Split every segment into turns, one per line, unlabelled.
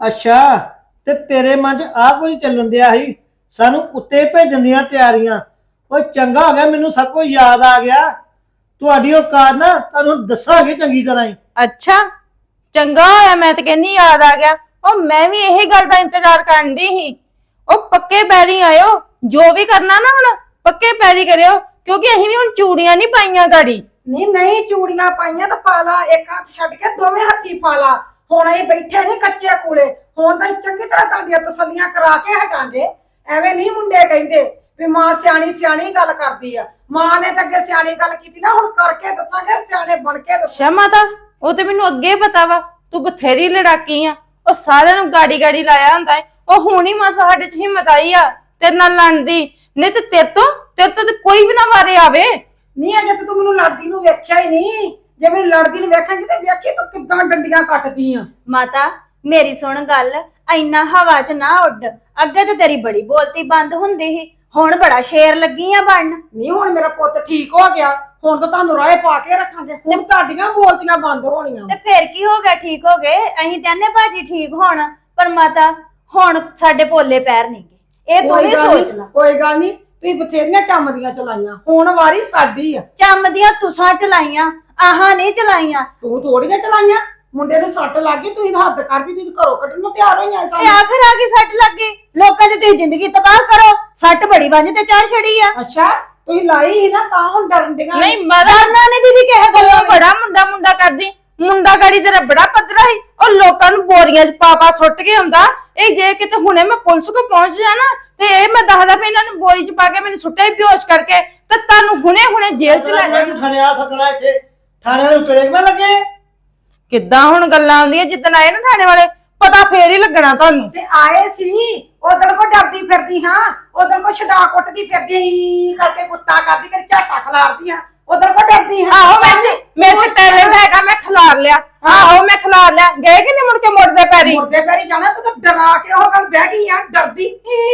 ਅੱਛਾ ਤੇ ਤੇਰੇ ਮਨ 'ਚ ਆ ਕੁਝ ਚੱਲਣ ਦਿਆ ਸੀ ਸਾਨੂੰ ਉੱਤੇ ਭੇਜਣ ਦੀਆਂ ਤਿਆਰੀਆਂ। ਉਹ ਚੰਗਾ ਹੋ ਗਿਆ ਮੈਨੂੰ ਸਭ ਕੁਝ ਯਾਦ ਆ ਗਿਆ। ਤੁਹਾਡੀ ਔਕਾਤ ਨਾ ਤੁਹਾਨੂੰ ਦੱਸਾਂਗੇ ਚੰਗੀ ਤਰ੍ਹਾਂ ਹੀ।
ਅੱਛਾ ਚੰਗਾ ਹੋਇਆ, ਮੈਂ ਤੇ ਕਹਿੰਨੀ ਯਾਦ ਆ ਗਿਆ। ਉਹ ਮੈਂ ਵੀ ਇਹੀ ਗੱਲ ਦਾ ਇੰਤਜ਼ਾਰ ਕਰਨ ਦੀ ਸੀ। ਉਹ ਪੱਕੇ ਪੈਰੀ ਆਇਓ, ਜੋ ਵੀ ਕਰਨਾ ਨਾ ਹੁਣ ਪੱਕੇ ਪੈਰੀ ਕਰਿਓ, ਕਿਉਂਕਿ ਅਸੀਂ ਵੀ ਹੁਣ ਚੂੜੀਆਂ ਨਹੀਂ ਪਾਈਆਂ ਗਾੜੀ।
ਨਹੀਂ ਚੂੜੀਆਂ ਪਾਈਆਂ ਤਾਂ ਪਾ ਲਾ, ਇੱਕ ਹੱਥ ਛੱਡ ਕੇ ਦੋਵੇਂ ਹੱਥੀ ਪਾ ਲਾ। ਹੁਣ ਅਸੀਂ ਬੈਠੇ ਨਹੀਂ ਕੱਚੇ ਕੂਲੇ, ਹੁਣ ਤਾਂ ਚੰਗੀ ਤਰ੍ਹਾਂ ਤੁਹਾਡੀਆਂ ਤਸੱਲੀਆਂ ਕਰਾ ਕੇ ਹਟਾਂਗੇ। ਐਵੇਂ ਨਹੀਂ ਮੁੰਡੇ ਕਹਿੰਦੇ ਵੀ ਮਾਂ ਸਿਆਣੀ ਸਿਆਣੀ ਗੱਲ ਕਰਦੀ ਆ। ਮਾਂ ਨੇ ਤਾਂ ਅੱਗੇ ਸਿਆਣੀ ਗੱਲ ਕੀਤੀ ਨਾ, ਹੁਣ ਕਰਕੇ ਦੱਸਾਂਗੇ, ਸਿਆਣੇ ਬਣ ਕੇ ਦੱਸਾਂਗੇ।
ਅੱਛਾ ਮਾਤਾ, ਉਹ ਤੇ ਮੈਨੂੰ ਅੱਗੇ ਪਤਾ ਵਾ, ਤੂੰ ਬਥੇਰੀ ਲੜਾਕੀ ਆ। ਉਹ ਸਾਰਿਆਂ ਨੂੰ ਗਾੜੀ ਗਾੜੀ ਲਾਇਆ ਹੁੰਦਾ ਹੈ। ਉਹ ਹੁਣ ਹੀ ਮਾਸਾ ਸਾਡੇ ਚ ਹਿੰਮਤ ਆਈ ਆ ਤੇਰੇ ਨਾਲ ਲੜਨ ਦੀ, ਨਹੀਂ ਤੇ ਤੇਰੇ ਤੋਂ ਤੇ ਕੋਈ ਵੀ ਨਾ ਵਾਰੇ ਆਵੇ।
ਨਹੀਂ ਅਜੇ ਤੂੰ ਮੈਨੂੰ ਲੜਦੀ ਨੂੰ ਵੇਖਿਆ ਹੀ ਨਹੀਂ। ਜੇ ਮੈਨੂੰ ਲੜਦੀ ਨੂੰ ਵੇਖਾਂਗੀ ਤੇ ਵੇਖੀ ਤੂੰ ਕਿੱਦਾਂ ਡੰਡੀਆਂ ਕੱਟਦੀ ਆ।
ਮਾਤਾ ਮੇਰੀ ਸੁਣ ਗੱਲ, ਇੰਨਾ ਹਵਾ 'ਚ ਨਾ ਉੱਡ। ਅੱਗੇ ਤੇ ਤੇਰੀ ਬੜੀ ਬੋਲਤੀ ਬੰਦ ਹੁੰਦੀ ਸੀ, ਹੁਣ ਬੜਾ ਸ਼ੇਰ ਲੱਗੀ ਆ ਬਣਨ।
ਨਹੀਂ ਹੁਣ ਮੇਰਾ ਪੁੱਤ ਠੀਕ ਹੋ ਗਿਆ, ਹੁਣ ਤਾਂ ਤੁਹਾਨੂੰ ਰਾਏ ਪਾ ਕੇ ਰੱਖਾਂਗੇ। ਹੁਣ ਤੁਹਾਡੀਆਂ ਬੋਲਤੀਆਂ ਬੰਦ ਹੋਣੀਆਂ।
ਤੇ ਫੇਰ ਕੀ ਹੋ ਗਿਆ, ਠੀਕ ਹੋ ਗਏ। ਅਸੀਂ ਕਹਿੰਦੇ ਭਾਜੀ ਠੀਕ ਹੋਣ, ਪਰ ਮਾਤਾ ਹੁਣ ਸਾਡੇ ਪੋਲੇ ਪੈਰ ਨਹੀਂ ਗਏ। ਇਹ ਤੂੰ ਵੀ ਸੋਚ ਲੈ।
ਕੋਈ ਗੱਲ ਨਹੀਂ, ਤੁਸੀਂ ਬਥੇਰੀਆਂ ਚੰਮਦੀਆਂ ਚਲਾਈਆਂ, ਹੁਣ ਵਾਰੀ ਸਾਡੀ ਆ।
ਚੰਮਦੀਆਂ ਤੁਸਾਂ ਚਲਾਈਆਂ, ਆਹਾਂ ਨਹੀਂ ਚਲਾਈਆਂ।
ਤੂੰ ਥੋੜੀਆਂ ਚਲਾਈਆਂ। ਮੁੰਡੇ ਨੂੰ ਸੱਟ ਲੱਗ ਗਈ, ਤੁਸੀਂ ਹੱਦ ਕਰਦੀ, ਤੁਸੀਂ ਘਰੋਂ ਕੱਢਣ ਨੂੰ ਤਿਆਰ ਹੋਈਆਂ।
ਤੇ ਆਖਰ ਆ ਕੇ ਸੱਟ ਲੱਗ ਗਈ, ਲੋਕਾਂ ਦੀ ਤੁਸੀਂ ਜ਼ਿੰਦਗੀ ਤਬਾਹ ਕਰੋ। ਸੱਟ ਬੜੀ ਵੰਜ ਤੇ ਚੜ ਛੜੀ ਆ।
ਅੱਛਾ ਤੁਸੀਂ ਲਾਈ ਸੀ ਨਾ, ਤਾਂ ਹੁਣ ਡਰਨ ਦੀਆਂ।
ਨਹੀਂ ਮਦਰਨਾ ਨੇ ਦੀਦੀ ਕਿਹਾ ਗੱਲੋਂ ਬੜਾ ਮੁੰਡਾ ਕਰਦੀ। ਮੁੰਡਾ ਗਾੜੀ ਤੇਰਾ ਬੜਾ ਪੱਧਰਾ ਸੀ। ਉਹ ਲੋਕਾਂ ਨੂੰ ਬੋਰੀਆਂ 'ਚ ਪਾ ਸੁੱਟ ਕੇ ਹੁੰਦਾ। ਇਹ ਜੇ ਕਿਤੇ ਹੁਣੇ ਮੈਂ ਪੁਲਿਸ ਕੋ ਪਹੁੰਚ ਜਾ ਨਾ, ਤੇ ਇਹ ਮੈਂ ਦੱਸਦਾ ਵੀ ਇਹਨਾਂ ਨੂੰ ਬੋਰੀ 'ਚ ਪਾ ਕੇ ਮੈਨੂੰ ਸੁੱਟਿਆ ਬੇਹੋਸ਼ ਕਰਕੇ, ਤੇ ਤੁਹਾਨੂੰ ਹੁਣੇ ਜੇਲ੍ਹ 'ਚ ਲੈ ਜਾਣਾ।
ਥਾਣੇ ਆ ਸਕਣਾ, ਇੱਥੇ ਥਾਣੇ ਨੂੰ ਟੇਕ ਮੈਂ ਲੱਗੇ।
ਕਿੱਦਾਂ ਹੁਣ ਗੱਲਾਂ ਆਉਂਦੀਆਂ, ਜਿੱਦਣ ਆਏ ਨਾ ਥਾਣੇ ਵਾਲੇ ਪਤਾ ਫੇਰ ਹੀ ਲੱਗਣਾ ਤੁਹਾਨੂੰ।
ਤੇ ਆਏ ਸੀ ਉਧਰ ਕੋ ਡਰਦੀ ਫਿਰਦੀ ਹਾਂ, ਉਧਰ ਕੋ ਛਡਾ ਕੁੱਟਦੀ ਫਿਰਦੀ ਹੀ ਕਰਕੇ ਗੁੱਤਾ ਕਰਦੀ, ਕਦੀ ਝਾਟਾ ਖਲਾਰਦੀ ਆ। ਉਧਰ ਕੋ ਡਰਦੀ ਹਾਂ।
ਆਹੋ ਮੇਰੇ ਟੈਲੈਂਟ ਹੈਗਾ, ਮੈਂ ਖਿਲਾਰ ਲਿਆ। ਆਹੋ ਮੈਂ ਖਿਲਾਰ ਲਿਆ। ਗਏ ਕਿ ਨਹੀਂ ਮੁੜ ਕੇ ਮੁੜਦੇ ਪੈਰੀ?
ਮੁਰਦੇ ਪੈਰੀ ਜਾਣਾ। ਤੂੰ ਤਾਂ ਡਰਾ ਕੇ ਉਹ ਗੱਲ ਬਹਿ ਗਈ ਆ, ਡਰਦੀ।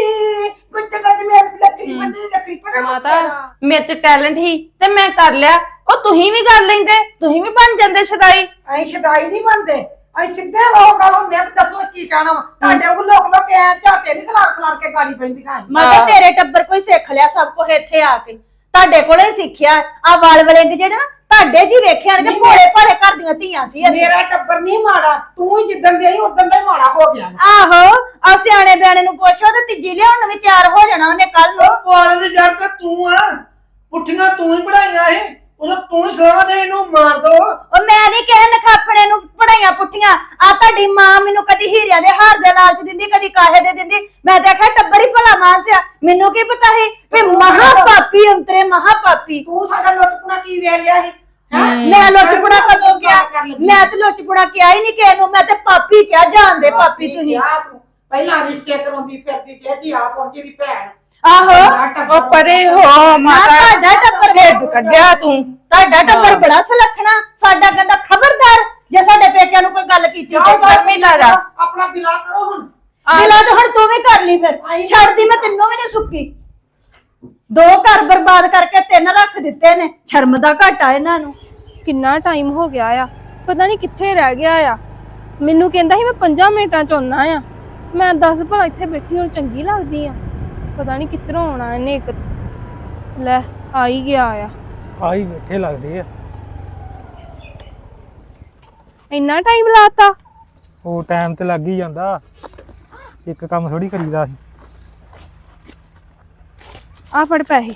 ਕੁਝ ਗੱਜ ਮੇਰੇ ਲੱਕੜੀ ਮੰਜਰੀ ਲੱਕੜੀ ਪੜਾ
ਮਾਤਾ ਮੇਰੇ ਚ ਟੈਲੈਂਟ ਹੀ ਤੇ ਮੈਂ ਕਰ ਲਿਆ। ਉਹ ਤੁਸੀਂ ਵੀ ਕਰ ਲੈਂਦੇ, ਤੁਸੀਂ ਵੀ ਬਣ ਜਾਂਦੇ ਸ਼ਦਾਈ।
ਅਸੀਂ ਸ਼ਦਾਈ ਨਹੀਂ ਬਣਦੇ, ਅਸੀਂ ਸਿੱਧੇ ਉਹ ਗੱਲ ਹੁੰਦੇ ਆ ਵੀ ਦੱਸੋ ਕੀ ਕਹਿਣਾ ਵਾ। ਤੁਹਾਡੇ ਕੋਲ ਲੋਕ ਐ ਝਾਟੇ ਨਹੀਂ ਖਲਾਰ ਕੇ ਗਾੜੀ ਪੈਂਦੀਆਂ।
ਮਾਤਾ ਤੇਰੇ ਟੱਬਰ ਕੋਈ ਸਿੱਖ ਲਿਆ ਸਭ ਕੁਝ ਇੱਥੇ ਆ ਕੇ, ਤੁਹਾਡੇ ਕੋਲੇ ਸਿੱਖਿਆ। ਆ ਵਾਲ ਵਲਿੰਗ ਜਿਹੜੇ ਨਾ ਤੁਹਾਡੇ ਜੀ ਵੇਖਿਆ ਕਿ ਭੋਲੇ ਭਾਲੇ ਘਰ ਦੀਆਂ ਧੀਆਂ ਸੀ ਅਸੀਂ।
ਮੇਰਾ ਟੱਬਰ ਨਹੀਂ ਮਾੜਾ, ਤੂੰ ਹੀ ਜਿੱਦਣ ਦੀ ਆਈ ਉਦੋਂ ਦਾ ਹੀ ਮਾੜਾ ਹੋ ਗਿਆ।
ਆਹੋ ਆ ਸਿਆਣੇ ਬਿਆਣੇ ਨੂੰ ਪੁੱਛੋ ਤੇ ਤੀਜੀ ਲਿਆਉਣ ਨੂੰ ਵੀ ਤਿਆਰ ਹੋ ਜਾਣਾ ਉਹਨੇ ਕੱਲ ਨੂੰ।
ਪੁਆਲੇ ਦੀ ਜੜ ਤੇ ਤੂੰ ਆ, ਪੁੱਠੀਆਂ ਤੂੰ ਹੀ ਪੜਾਈਆਂ ਇਹ, ਉਦੋਂ ਤੂੰ ਹੀ ਸਲਾਹਾਂ ਦੇ ਇਹਨੂੰ ਮਾਰ ਦੋ।
ਉਹ ਮੈਂ ਨਹੀਂ ਕਿਸੇ ਨਖਾਫੜੇ ਨੂੰ ਪੜਾਈਆਂ ਪੁੱਠੀਆਂ। ਆ ਤੁਹਾਡੀ ਮਾਂ ਮੈਨੂੰ ਕਦੀ ਹੀਰਿਆਂ ਦੇ ਹਾਰ ਦੇ ਲਾਲਚ ਦਿੰਦੀ, ਕਦੀ ਕਾਹੇ ਦੇ ਦਿੰਦੀ। ਮੈਂ ਤਾਂ ਆਖਿਆ ਟੱਬਰ ਹੀ ਭਲਾ ਮਾਨਸਿਆ, ਮੈਨੂੰ ਕੀ ਪਤਾ ਸੀ ਵੀ ਮਹਾ ਪਾਪੀ ਅੰਤਰੇ ਮਹਾ ਪਾਪੀ।
ਤੂੰ ਸਾਡਾ ਲੁੱਟਪੁਣਾ ਕੀ ਵੇਖ ਲਿਆ ਸੀ?
ਮੈਂ ਲੁੱਟਪੁਣਾ ਕਦੋਂ ਕਿਹਾ? ਮੈਂ ਤੇ ਲੁੱਟਪੁਣਾ ਕਿਹਾ ਹੀ ਨਹੀਂ ਕਿਸੇ ਨੂੰ, ਮੈਂ ਤੇ ਪਾਪੀ ਕਿਹਾ। ਜਾਣਦੇ ਪਾਪੀ ਤੁਸੀਂ।
ਤੂੰ ਪਹਿਲਾਂ ਰਿਸ਼ਤੇ ਕਰਾਉਂਦੀ ਫਿਰਦੀ ਤੇ ਜੀ ਆ ਪਹੁੰਚੀ ਦੀ ਭੈਣ।
ਆਹੋ
ਉਹ ਪਰੇ ਹੋ ਮਾਤਾ,
ਤੁਹਾਡਾ ਟੱਬਰ
ਢਿੱਡ ਕੱਢਿਆ ਤੂੰ।
ਤੁਹਾਡਾ ਟੱਬਰ ਬੜਾ ਸਲਖਣਾ, ਸਾਡਾ ਕਹਿੰਦਾ ਖਬਰਦਾਰ ਜੇ ਸਾਡੇ ਪੇਕਿਆਂ ਨੂੰ ਕੋਈ ਗੱਲ ਕੀਤੀ ਤੇ
ਗਰਮੀ ਲਾ ਜਾ।
ਆਪਣਾ ਬਿਲਾ ਕਰੋ ਹੁਣ।
ਬਿਲਾ ਤਾਂ ਹੁਣ ਤੂੰ ਵੀ ਕਰ ਲਈ, ਫਿਰ ਛੱਡਦੀ ਮੈਂ ਤੈਨੂੰ ਵੀ ਨਹੀਂ ਸੁੱਕੀ। 2 ਘਰ ਬਰਬਾਦ ਕਰਕੇ 3 ਰੱਖ ਦਿੱਤੇ ਨੇ। ਸ਼ਰਮ ਦਾ ਘਾਟਾ ਇਹਨਾਂ ਨੂੰ।
ਕਿੰਨਾ ਟਾਈਮ ਹੋ ਗਿਆ ਆ, ਪਤਾ ਨਹੀਂ ਕਿੱਥੇ ਰਹਿ ਗਿਆ ਆ। ਮੈਨੂੰ ਕਹਿੰਦਾ ਸੀ ਮੈਂ 5 ਮਿੰਟਾਂ ਚ ਆਉਣਾ ਆ। ਮੈਂ 10 ਭਲਾ ਇੱਥੇ ਬੈਠੀ ਹੁਣ ਚੰਗੀ ਲੱਗਦੀ ਆ। ਪਤਾ ਨਹੀਂ ਕਿੱਧਰੋਂ ਆਉਣਾ ਇਹਨੇ। ਇੱਕ ਲੈ ਆ ਹੀ ਗਿਆ ਆ।
ਆਈ ਬੈਠੇ ਲੱਗਦੇ ਆ।
ਇੰਨਾ ਟਾਈਮ ਲਾਤਾ?
ਉਹ ਟਾਈਮ ਤੇ ਲੱਗ ਹੀ ਜਾਂਦਾ, ਇੱਕ ਕੰਮ ਥੋੜੀ ਕਰੀਦਾ ਸੀ।
ਆ ਫੜ ਪੈਸੇ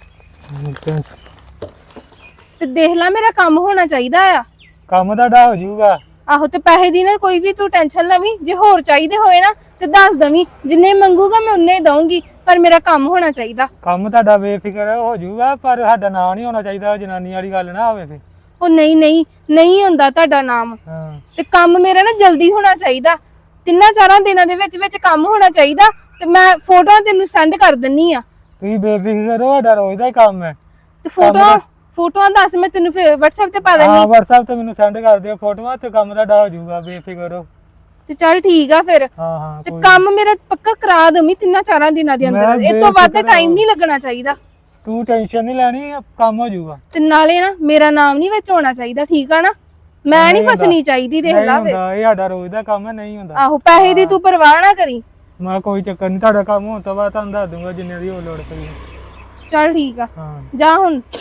ਤੇ ਦੇਖ ਲੈ, ਮੇਰਾ ਕੰਮ ਹੋਣਾ ਚਾਹੀਦਾ ਆ।
ਕੰਮ ਤੁਹਾਡਾ ਹੋ ਜਾਊਗਾ।
ਆਹੋ ਤੇ ਪੈਸੇ ਦੀ ਨਾ ਕੋਈ ਵੀ ਤੂੰ ਟੈਨਸ਼ਨ ਲਵੀਂ। ਜੇ ਹੋਰ ਚਾਹੀਦੇ ਹੋਏ ਨਾ ਤੇ ਦੱਸ ਦਵੀਂ, ਜਿੰਨੇ ਮੰਗੂਗਾ ਮੈਂ ਉਨੇ ਹੀ ਦਊਂਗੀ, ਪਰ ਮੇਰਾ ਕੰਮ ਹੋਣਾ ਚਾਹੀਦਾ।
ਕੰਮ ਤੁਹਾਡਾ ਬੇਫਿਕਰ ਹੋ ਜਾਊਗਾ, ਪਰ ਸਾਡਾ ਨਾਂ ਨਹੀਂ ਹੋਣਾ ਚਾਹੀਦਾ। ਜਨਾਨੀ ਵਾਲੀ ਗੱਲ ਨਾ ਹੋਵੇ ਫੇ।
ਉਹ ਨਹੀਂ ਹੁੰਦਾ ਤੁਹਾਡਾ ਨਾਮ।
ਹਾਂ
ਤੇ ਕੰਮ ਮੇਰਾ ਨਾ ਜਲਦੀ ਹੋਣਾ ਚਾਹੀਦਾ, 3-4 ਦਿਨਾਂ ਦੇ ਵਿੱਚ ਕੰਮ ਹੋਣਾ ਚਾਹੀਦਾ। ਤੇ ਮੈਂ ਫੋਟੋਆਂ ਤੈਨੂੰ ਸੈਂਡ ਕਰ ਦਿੰਨੀ ਆ।
ਤੁਸੀਂ ਬੇਫਿਕਰ ਹੋ, ਸਾਡਾ ਰੋਜ਼ ਦਾ ਹੀ ਕੰਮ ਹੈ।
ਤੇ ਫੋਟੋਆਂ ਦੱਸ, ਮੈਂ ਤੈਨੂੰ WhatsApp ਤੇ ਪਾ
ਹਾਂ
ਦਿੰਨੀ।
WhatsApp ਤੇ ਮੈਨੂੰ ਸੈਂਡ ਕਰ ਦਿਓ ਫੋਟੋਆਂ, ਤੇ ਕੰਮ ਤੁਹਾਡਾ ਹੋ ਜਾਊਗਾ, ਬੇਫਿਕਰ ਹੋ।
ਤੇ ਚੱਲ ਠੀਕ ਆ ਫਿਰ।
ਹਾਂ
ਤੇ ਕੰਮ ਮੇਰਾ ਪੱਕਾ ਕਰਾ ਦਮੀ 3-4 ਦਿਨਾਂ ਦੇ ਅੰਦਰ। ਇਹ ਤੋਂ ਵੱਧ ਟਾਈਮ ਨਹੀਂ ਲੱਗਣਾ ਚਾਹੀਦਾ।
ਤੂੰ ਟੈਨਸ਼ਨ ਨਹੀਂ ਲੈਣੀ, ਕੰਮ ਹੋ ਜਾਊਗਾ।
ਤੇ ਨਾਲੇ ਨਾ ਮੇਰਾ ਨਾਮ ਨਹੀਂ ਵਿੱਚ ਹੋਣਾ ਚਾਹੀਦਾ, ਠੀਕ ਆ ਨਾ? ਮੈਂ ਨਹੀਂ
ਨਹੀਂ ਹੁੰਦਾ।
ਫਸਣੀ ਚਾਹੀਦੀ ਦੇਖ
ਨਹੀਂ
ਲਾ ਵੇ
ਹੁੰਦਾ, ਇਹ ਸਾਡਾ ਰੋਜ਼ ਦਾ ਕੰਮ ਹੈ, ਨਹੀਂ ਹੁੰਦਾ।
ਆਹੋ ਪੈਸੇ ਦੀ ਤੂੰ ਪਰਵਾਹ ਨਾ ਕਰੀ।
ਮੈਂ ਕੋਈ ਚੱਕਰ ਨਹੀਂ, ਤੁਹਾਡਾ ਕੰਮ ਹੋਣ ਤੋਂ ਬਾਅਦ ਤੁਹਾਨੂੰ ਦੱਸ ਦੂੰਗਾ ਜਿੰਨੇ ਦੀ ਹੋਰ ਲੋੜ ਪਈ।
ਚੱਲ ਠੀਕ ਆ,
ਹਾਂ
ਜਾ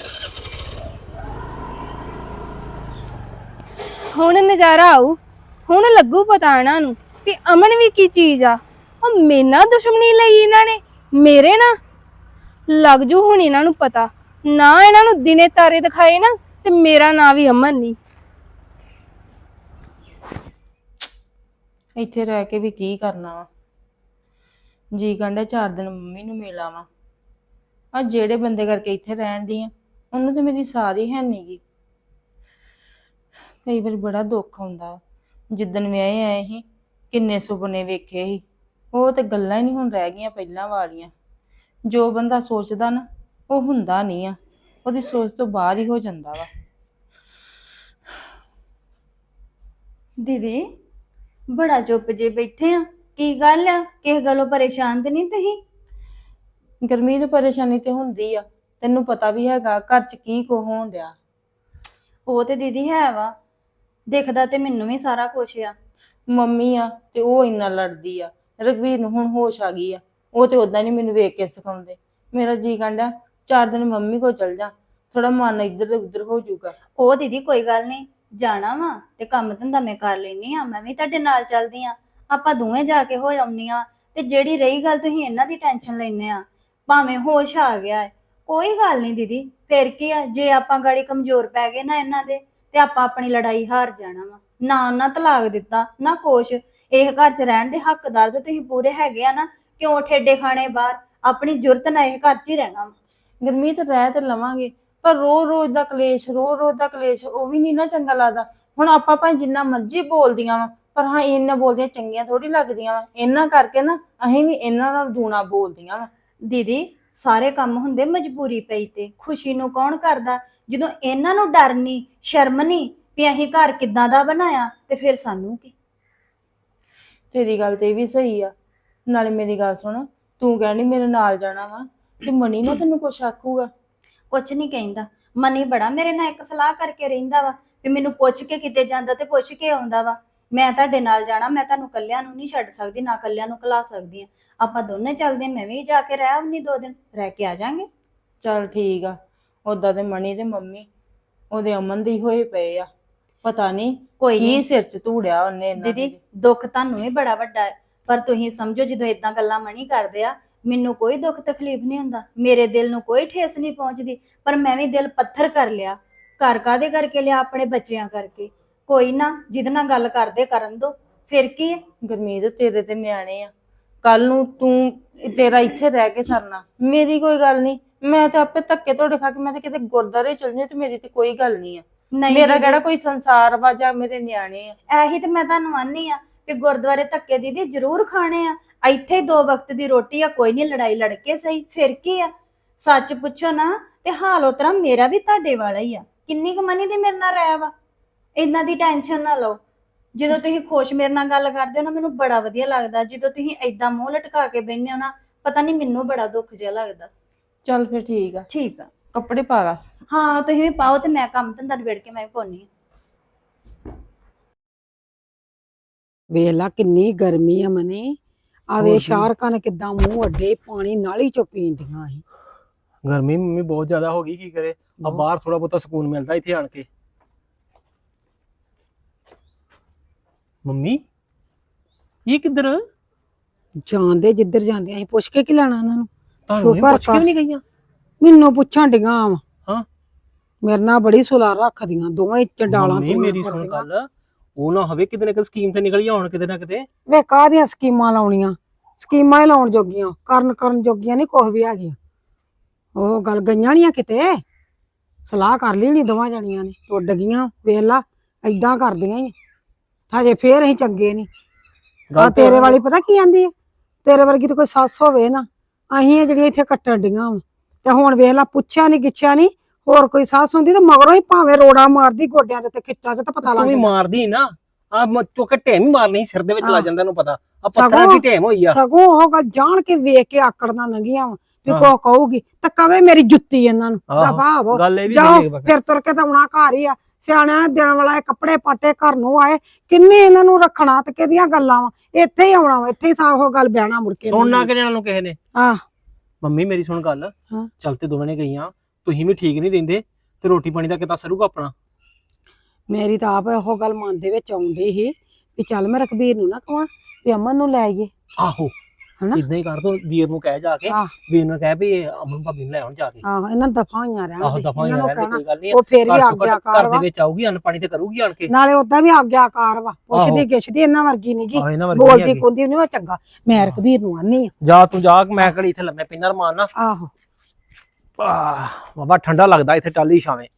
ਹੁਣ ਨਜ਼ਾਰਾ ਆਊ। ਹੁਣ ਲੱਗੂ ਪਤਾ ਇਹਨਾਂ ਨੂੰ ਕਿ ਅਮਨ ਵੀ ਕੀ ਚੀਜ਼ ਆ। ਉਹ ਮੇਰੇ ਨਾਲ ਦੁਸ਼ਮਣੀ ਲਈ ਇਹਨਾਂ ਨੇ, ਮੇਰੇ ਨਾਲ ਲੱਗ ਜੂ ਹੁਣ ਇਹਨਾਂ ਨੂੰ ਪਤਾ। ਨਾ ਇਹਨਾਂ ਨੂੰ ਦਿਨੇ ਤਾਰੇ ਦਿਖਾਏ ਨਾ ਤੇ ਮੇਰਾ ਨਾਂ ਵੀ ਅਮਨ ਨਹੀਂ।
ਇੱਥੇ ਰਹਿ ਕੇ ਵੀ ਕੀ ਕਰਨਾ ਵਾ, ਜੀ ਕਹਿੰਦਾ 4 ਦਿਨ ਮੰਮੀ ਨੂੰ ਮਿਲ ਆਵਾਂ। ਆ ਜਿਹੜੇ ਬੰਦੇ ਕਰਕੇ ਇੱਥੇ ਰਹਿਣ ਦੀ ਆ ਉਹਨੂੰ ਤੇ ਮੇਰੀ ਸਾਰੀ ਹੈ ਨੀ ਗੀ। ਕਈ ਵਾਰੀ ਬੜਾ ਦੁੱਖ ਆਉਂਦਾ। ਜਿੱਦਣ ਵਿਆਹੇ ਆਏ ਸੀ ਕਿੰਨੇ ਸੁਪਨੇ ਵੇਖੇ ਸੀ, ਉਹ ਤੇ ਗੱਲਾਂ ਹੀ ਨਹੀਂ ਹੁਣ ਰਹਿ ਗਈਆਂ ਪਹਿਲਾਂ ਵਾਲੀਆਂ। ਜੋ ਬੰਦਾ ਸੋਚਦਾ ਨਾ ਉਹ ਹੁੰਦਾ ਨਹੀਂ ਆ, ਉਹਦੀ ਸੋਚ ਤੋਂ ਬਾਹਰ ਹੀ ਹੋ ਜਾਂਦਾ ਵਾ।
ਦੀਦੀ ਬੜਾ ਚੁੱਪ ਜੇ ਬੈਠੇ ਆ, ਕੀ ਗੱਲ ਆ? ਕਿਸੇ ਗੱਲੋਂ ਪਰੇਸ਼ਾਨ ਤੇ ਨਹੀਂ ਤੁਸੀਂ?
ਗਰਮੀ ਦੀ ਪਰੇਸ਼ਾਨੀ ਤੇ ਹੁੰਦੀ ਆ, ਤੈਨੂੰ ਪਤਾ ਵੀ ਹੈਗਾ ਘਰ 'ਚ ਕੀ ਕੋ ਹੋਣ ਡਿਆ।
ਉਹ ਤੇ ਦੀਦੀ ਹੈ ਵਾ, ਦਿਖਦਾ ਤੇ ਮੈਨੂੰ ਵੀ ਸਾਰਾ ਕੁਛ ਆ।
ਮੰਮੀ ਆ ਤੇ ਉਹ ਇੰਨਾ ਲੜਦੀ ਆ। ਰਘਵੀਰ ਨੂੰ ਹੁਣ ਹੋਸ਼ ਆ ਗਈ ਆ, ਉਹ ਤੇ ਉਦਾਂ ਨਹੀਂ ਮੈਨੂੰ ਵੇਖ ਕੇ ਸਿਖਾਉਂਦੇ। ਮੇਰਾ ਜੀ ਕਹਿੰਦਾ 4 ਦਿਨ ਮੰਮੀ ਕੋ ਚਲ ਜਾ, ਥੋੜਾ ਮਨ ਇੱਧਰ ਉੱਧਰ ਹੋ ਜਾਊਗਾ।
ਉਹ ਦੀਦੀ ਕੋਈ ਗੱਲ ਨਹੀਂ, ਜਾਣਾ ਵਾ ਤੇ ਕੰਮ ਧੰਦਾ ਮੈਂ ਕਰ ਲੈਣੀ ਆ, ਮੈਂ ਵੀ ਤੁਹਾਡੇ ਨਾਲ ਚੱਲਦੀ ਆ, ਆਪਾਂ ਦੋਵੇਂ ਜਾ ਕੇ ਹੋ ਆਉਂਦੀਆਂ। ਤੇ ਜਿਹੜੀ ਰਹੀ ਗੱਲ ਤੁਸੀਂ ਇਹਨਾਂ ਦੀ ਟੈਨਸ਼ਨ ਲੈਨੇ ਆ, ਭਾਵੇਂ ਹੋਸ਼ ਆ ਗਿਆ ਹੈ, ਕੋਈ ਗੱਲ ਨਹੀਂ ਦੀਦੀ, ਫਿਰ ਕੀ ਆ? ਜੇ ਆਪਾਂ ਗਾੜੀ ਕਮਜ਼ੋਰ ਪੈ ਗਏ ਨਾ ਇਹਨਾਂ ਦੇ ਤੇ ਆਪਾਂ ਆਪਣੀ ਲੜਾਈ ਹਾਰ ਜਾਣਾ ਵਾ। ਨਾ ਉਹਨਾਂ ਤਲਾਕ ਦਿੱਤਾ ਨਾ ਕੁਛ, ਇਹ ਘਰ 'ਚ ਰਹਿਣ ਦੇ ਹੱਕਦਾਰ ਤੇ ਤੁਸੀਂ ਪੂਰੇ ਹੈਗੇ ਆ ਨਾ। ਕਿਉਂ ਠੇਡੇ ਖਾਣੇ ਬਾਹਰ? ਆਪਣੀ ਜੁਰਤ ਨਾਲ ਇਹ ਘਰ 'ਚ ਹੀ ਰਹਿਣਾ ਵਾ।
ਗਰਮੀਤ ਰਹਿ ਤੇ ਲਵਾਂਗੇ, ਪਰ ਰੋਜ਼ ਦਾ ਕਲੇਸ਼, ਰੋਜ਼ ਦਾ ਕਲੇਸ਼ ਉਹ ਵੀ ਨਹੀਂ ਨਾ ਚੰਗਾ ਲੱਗਦਾ। ਹੁਣ ਆਪਾਂ ਭਾਵੇਂ ਜਿੰਨਾ ਮਰਜ਼ੀ ਬੋਲਦੀਆਂ ਵਾ, ਪਰ ਹਾਂ ਇਹਨਾਂ ਬੋਲਦੀਆਂ ਚੰਗੀਆਂ ਥੋੜੀ ਲੱਗਦੀਆਂ ਵਾ। ਇਹਨਾਂ ਕਰਕੇ ਨਾ ਅਸੀਂ ਵੀ ਇਹਨਾਂ ਨਾਲ ਦੂਣਾ ਬੋਲਦੀਆਂ ਵਾ।
ਦੀਦੀ ਸਾਰੇ ਕੰਮ ਹੁੰਦੇ ਮਜਬੂਰੀ ਪਈ ਤੇ, ਖੁਸ਼ੀ ਨੂੰ ਕੌਣ ਕਰਦਾ? ਜਦੋਂ ਇਹਨਾਂ ਨੂੰ ਡਰ ਨਹੀਂ ਸ਼ਰਮ ਨਹੀਂ ਵੀ ਅਸੀਂ ਘਰ ਕਿੱਦਾਂ ਦਾ ਬਣਾਇਆ, ਤੇ ਫਿਰ ਸਾਨੂੰ ਕੀ?
ਤੇਰੀ ਗੱਲ ਤੇ ਵੀ ਸਹੀ ਆ। ਨਾਲੇ ਮੇਰੀ ਗੱਲ ਸੁਣ, ਤੂੰ ਕਹਿਣੀ ਮੇਰੇ ਨਾਲ ਜਾਣਾ ਵਾ ਤੇ ਮਨੀ ਨਾ ਤੈਨੂੰ ਕੁਛ ਆਖੂਗਾ?
ਕੁਛ ਨਹੀਂ ਕਹਿੰਦਾ। ਮਨੀ ਬੜਾ ਮੇਰੇ ਨਾਲ ਇੱਕ ਸਲਾਹ ਕਰਕੇ ਰਹਿੰਦਾ ਵਾ ਵੀ ਮੈਨੂੰ ਪੁੱਛ ਕੇ ਕਿਤੇ ਜਾਂਦਾ ਤੇ ਪੁੱਛ ਕੇ ਆਉਂਦਾ ਵਾ। ਮੈਂ ਤੁਹਾਡੇ ਨਾਲ ਜਾਣਾ, ਮੈਂ ਤੁਹਾਨੂੰ ਕੱਲਿਆਂ ਨੂੰ ਨਹੀਂ ਛੱਡ ਸਕਦੀ, ਨਾ ਕੱਲਿਆਂ ਨੂੰ ਘਲਾ ਸਕਦੀ ਆ। ਆਪਾਂ ਦੋਨੇ ਚੱਲਦੇ, ਮੈਂ ਵੀ ਜਾ ਕੇ ਰਹਿ ਆਉਣੀ 2 ਦਿਨ, ਰਹਿ ਕੇ ਆ ਜਾਾਂਗੇ।
ਚੱਲ ਠੀਕ ਆ। ਓਦਾਂ ਤੇ ਮਣੀ ਤੇ ਮੰਮੀ ਉਹਦੇ ਅਮਨ ਦੇ ਹੀ ਹੋਏ ਪਏ ਆ। ਪਤਾ ਨਹੀਂ
ਕੋਈ
ਕੀ
ਨਹੀਂ
ਸਿਰ 'ਚ ਧੂੜਿਆ ਉਹਨੇ ਇਹਨਾਂ
ਦੀਦੀ,
ਦੇ।
ਦੁੱਖ ਤੁਹਾਨੂੰ ਵੀ ਬੜਾ ਵੱਡਾ ਹੈ, ਪਰ ਤੁਸੀਂ ਸਮਝੋ ਜਦੋਂ ਇਦਾਂ ਗੱਲਾਂ ਮਣੀ ਕਰਦੇ ਆ, ਮੈਨੂੰ ਕੋਈ ਦੁੱਖ ਤਕਲੀਫ ਨਹੀਂ ਹੁੰਦਾ, ਮੇਰੇ ਦਿਲ ਨੂੰ ਕੋਈ ਠੇਸ ਨਹੀਂ ਪਹੁੰਚਦੀ। ਪਰ ਮੈਂ ਵੀ ਦਿਲ ਪੱਥਰ ਕਰ ਲਿਆ। ਘਰ ਕਾਦੇ ਕਰਕੇ ਲਿਆ? ਆਪਣੇ ਬੱਚਿਆਂ ਕਰਕੇ। ਕੋਈ ਨਾ, ਜਿਹਦੇ ਨਾਲ ਗੱਲ ਕਰਦੇ ਕਰਨ ਦੋ, ਫਿਰ ਕੀ ਹੈ?
ਗੁਰਮੀਤ ਤੇਰੇ ਤੇ ਨਿਆਣੇ ਆ, ਕੱਲ ਨੂੰ ਤੂੰ ਤੇਰਾ ਇੱਥੇ ਰਹਿ ਕੇ ਸਰਨਾ, ਮੇਰੀ ਕੋਈ ਗੱਲ ਨਹੀਂ। ਮੈਂ ਤੇ ਆਪੇ ਧੱਕੇ ਤੁਹਾਡੇ ਖਾ ਕੇ ਮੈਂ ਤੇ ਕਿਤੇ ਗੁਰਦਾਰੇ ਚਲ ਜਾਊਂ ਤੇ ਮੇਰੀ ਤੇ ਕੋਈ ਗੱਲ ਨਹੀਂ ਆ।
ਨਹੀਂ
ਮੇਰਾ
ਦੀਦੀ,
ਕਿਹੜਾ ਕੋਈ ਸੰਸਾਰ ਵਾ ਜਾਂ ਮੇਰੇ ਨਿਆਣੇ ਆ।
ਇਹੀ ਤੇ ਮੈਂ ਤੁਹਾਨੂੰ ਆਨੀ ਆ ਕਿ ਗੁਰਦੁਆਰੇ ਧੱਕੇ ਦੀਦੀ ਜ਼ਰੂਰ ਖਾਣੇ ਆ। ਇੱਥੇ 2 ਵਕਤ ਦੀ ਰੋਟੀ ਆ, ਕੋਈ ਨਹੀਂ, ਲੜਾਈ ਲੜ ਕੇ ਸਹੀ, ਫਿਰ ਕੀ ਆ? ਸੱਚ ਪੁੱਛੋ ਨਾ ਤੇ ਹਾਲ ਉਤਰਾ ਮੇਰਾ ਵੀ ਤੁਹਾਡੇ ਵਾਲਾ ਹੀ ਆ। ਕਿੰਨੀ ਕੁ ਮਨੀ ਦੀ ਮੇਰੇ ਨਾਲ ਰਹਿ ਵਾ, ਇਹਨਾਂ ਦੀ ਟੈਨਸ਼ਨ ਨਾ ਲਓ। ਜਦੋਂ ਤੁਸੀਂ ਖੁਸ਼ ਮੇਰੇ ਨਾਲ ਗੱਲ ਕਰਦੇ ਹੋ ਨਾ, ਮੈਨੂੰ ਬੜਾ ਵਧੀਆ ਲੱਗਦਾ। ਜਦੋਂ ਤੁਸੀਂ ਏਦਾਂ ਮੂੰਹ ਲਟਕਾ ਕੇ ਬੈਠੇ ਹੋ ਨਾ, ਪਤਾ ਨਹੀਂ ਮੈਨੂੰ ਬੜਾ ਦੁੱਖ ਜਿਹਾ ਲੱਗਦਾ।
ਚੱਲ ਫਿਰ ਠੀਕ ਆ,
ਠੀਕ ਆ,
ਕੱਪੜੇ ਪਾ ਲਾ।
ਹਾਂ ਤੁਸੀਂ ਵੀ ਪਾਓ ਤੇ ਮੈਂ ਕੰਮ ਧੰਦਾ ਨਿਬੇੜ ਕੇ ਮੈਂ ਵੀ ਪਾਉਣੀ ਆ।
ਵੇਖ ਲਾ ਕਿੰਨੀ ਗਰਮੀ ਆ ਮਨੀ, ਆਵੇ ਸ਼ਾਰਕਾਂ ਨੇ ਕਿਦਾਂ ਮੂੰਹ ਅੱਡੇ ਪਾਣੀ ਨਾਲੀ ਚੋਂ ਪੀਂਦੀਆਂ ਸੀ।
ਗਰਮੀ ਮੰਮੀ ਬਹੁਤ ਜ਼ਿਆਦਾ ਹੋ ਗਈ, ਕੀ ਕਰੇ। ਆ ਬਾਹਰ ਥੋੜਾ ਬਹੁਤਾ ਸਕੂਨ ਮਿਲਦਾ ਇੱਥੇ ਆਣ ਕੇ। ਮੰਮੀ ਇਹ ਕਿੱਧਰ?
ਜਾਂਦੇ ਜਿੱਧਰ ਜਾਂਦੇ ਅਸੀਂ ਪੁੱਛ ਕੇ ਕੀ ਲੈਣਾ ਉਹਨਾਂ ਨੂੰ?
ਤੁਹਾਨੂੰ ਇਹ
ਸ਼ੁਕਰ
ਪੁੱਛ ਕੇ ਵੀ ਨਹੀਂ ਗਈਆਂ?
ਮੈਨੂੰ ਪੁੱਛਣ ਡੀਆਂ ਵਾ।
ਹਾਂ।
ਮੇਰੇ ਨਾਲ ਬੜੀ ਸੁਲਾ ਰੱਖਦੀਆਂ ਦੋਵੇਂ ਚੰਡਾਲਾਂ।
ਮੰਮੀ ਮੇਰੀ ਸੁਣ ਗੱਲ, ਉਹ ਨਾ ਹੋਵੇ ਕਿਤੇ ਨਾ ਕਿਤੇ ਸਕੀਮ ਤੇ ਨਿਕਲ ਜਾਣ ਕਿਤੇ ਨਾ ਕਿਤੇ।
ਵੇ ਕਾਹਦੀਆਂ ਸਕੀਮਾਂ ਲਾਉਣੀਆਂ? ਸਕੀਮਾਂ ਹੀ ਲਾਉਣ ਜੋਗੀਆਂ, ਕਰਨ ਜੋਗੀਆਂ ਨਹੀਂ ਕੁਛ ਵੀ ਹੈਗੀਆਂ। ਉਹ ਗੱਲ ਗਈਆਂ ਨੀ ਆ ਕਿਤੇ, ਸਲਾਹ ਕਰ ਲਈ ਨੀ ਦੋਵਾਂ ਜਣੀਆਂ ਨੇ, ਉੱਡ ਗਈਆਂ। ਵੇਖ ਲਾ ਏਦਾਂ ਕਰਦੀਆਂ ਹੀ ਹਜੇ, ਫੇਰ ਅਸੀਂ ਚੰਗੇ ਨੀ। ਆ ਤੇਰੇ ਵਾਲੀ ਪਤਾ ਕੀ ਆਂਦੀ ਹੈ? ਤੇਰੇ ਵਰਗੀ ਤਾਂ ਕੋਈ ਸੱਸ ਹੋਵੇ ਨਾ, ਅਸੀਂ ਜਿਹੜੀਆਂ ਇੱਥੇ ਕੱਟਣ ਡੀਆਂ ਵਾ। ਤੇ ਹੁਣ ਵੇਖ ਲਾ, ਪੁੱਛਿਆ ਨੀ ਗਿੱਛਿਆ ਨੀ, ਹੋਰ ਕੋਈ ਸੱਸ ਹੁੰਦੀ ਤੇ ਮਗਰੋਂ ਹੀ ਭਾਵੇਂ ਰੋੜਾ ਮਾਰਦੀ ਗੋਡਿਆਂ ਤੇ ਖਿੱਚਾਂ ਤੇ ਪਤਾ ਲੱਗ
ਤੂੰ ਵੀ
ਜਾਂਦਾ।
ਮਾਰਦੀ ਨਾ, ਆ ਚੁੱਕ ਕੇ ਢੇਮ ਹੀ ਮਾਰਨੀ ਸਿਰ ਦੇ ਵਿੱਚ ਲੱਗ ਜਾਂਦਾ, ਇਹਨੂੰ ਪਤਾ ਆ
ਸਗੋਂ-
ਪੱਥਰਾਂ ਦੀ ਢੇਮ ਹੋਈ ਆ।
ਸਗੋਂ ਉਹ ਗੱਲ ਜਾਣ ਕੇ ਵੇਖ ਕੇ ਆਕੜਨਾ ਲੰਗੀਆਂ ਵਾ ਵੀ
ਹਾਂ।
ਕੋ ਕਹੂਗੀ ਤਾਂ ਕਵੇ ਮੇਰੀ ਜੁੱਤੀ ਇਹਨਾਂ ਨੂੰ।
ਆਹੋ,
ਭਾਵ
ਗੱਲ ਇਹ ਵੀ
ਜਾਓ
ਸਹੀ ਹੈ।
ਫਿਰ ਤੁਰ ਕੇ ਤਾਂ ਆਉਣਾ ਘਰ ਹੀ ਆ। ਸਿਆਣਿਆਂ ਨੇ ਦੇਣ ਵਾਲਾ ਇਹ ਕੱਪੜੇ ਪਾਟੇ ਘਰ ਨੂੰ ਆਏ, ਕਿੰਨੇ ਇਹਨਾਂ ਨੂੰ ਰੱਖਣਾ ਤੇ ਕਿਹਦੀਆਂ ਗੱਲਾਂ ਵਾ, ਇੱਥੇ ਹੀ ਆਉਣਾ ਵਾ, ਇੱਥੇ ਹੀ ਸਾਹ ਉਹ ਗੱਲ ਬਿਆਣਾ ਮੁੜ ਕੇ
ਸੁਣਨਾ ਕਿ ਨੂੰ ਕਿਸੇ ਨੇ।
ਆਹ
ਮੰਮੀ ਮੇਰੀ ਸੁਣ ਗੱਲ,
ਹਾਂ।
ਚੱਲ ਤੇ ਦੋਵੇਂ ਨੇ ਗਈਆਂ, ਤੁਸੀਂ ਵੀ ਠੀਕ ਨਹੀਂ ਦਿੰਦੇ ਤੇ ਰੋਟੀ ਪਾਣੀ ਦਾ ਕਿੱਦਾਂ ਸਰੂਗਾ ਆਪਣਾ?
ਮੇਰੀ ਤਾਂ ਆਪ ਇਹੋ ਗੱਲ ਮਨ ਦੇ ਵਿੱਚ ਆਉਂਦੀ ਸੀ ਵੀ ਚੱਲ ਮੈਂ ਰਘਬੀਰ ਨੂੰ ਨਾ ਕਹਾਂ ਵੀ ਅਮਨ ਨੂੰ ਲੈ ਆਈਏ।
ਆਹੋ
ਹਨਾ?
ਇਦਾਂ ਹੀ ਕਰ ਤੂੰ, ਵੀਰ ਨੂੰ ਕਹਿ ਜਾ ਕੇ,
ਆਹ।
ਵੀਰ ਨੂੰ ਕਹਿ ਵੀ ਅਮਨ ਭਾਬੀ ਨੂੰ ਲੈ ਆਉਣ ਜਾ ਕੇ।
ਆਹ ਇਹਨਾਂ ਦਫਾ ਹੋਈਆਂ ਰਹਿਣ
ਆਹੋ
ਦੇ,
ਦਫਾ
ਇਹਨਾਂ ਨੂੰ
ਰਹਿਣ ਦੇ,
ਕਹਿਣਾ
ਕੋਈ ਗੱਲ ਨਹੀਂ।
ਉਹ ਫੇਰ ਵੀ
ਘਰ
ਆਗਿਆਕਾਰ
ਦੇ
ਵਾ,
ਵਿੱਚ ਆਊਗੀ, ਅੰਨ ਪਾਣੀ ਤੇ ਕਰੂਗੀ ਆਣ ਕੇ।
ਨਾਲੇ ਉਦਾਂ ਵੀ ਆਗਿਆਕਾਰ ਵਾ, ਪੁੱਛਦੀ ਗਿੱਛਦੀ ਇਹਨਾਂ ਵਰਗੀ ਨੀ ਗੀ,
ਆਹੋ ਇਹਨਾਂ ਵਰਗੀ
ਬੋਲਦੀ
ਹੈਗੀ।
ਕੁੰਦੀ ਨਹੀਂ। ਮੈਂ ਚੰਗਾ ਮੈਂ ਰਘਬੀਰ ਨੂੰ ਆਨੀ ਆ।
ਜਾ ਤੂੰ ਜਾ, ਮੈਂ ਕਿਹੜੀ ਇੱਥੇ ਲੰਮੇ ਪਿੰਨਾ ਰਮਾਨ ਨਾ।
ਆਹੋ
ਬਾਬਾ ਠੰਡਾ ਲੱਗਦਾ ਇੱਥੇ ਟਾਲੀ ਛਾਵੇਂ।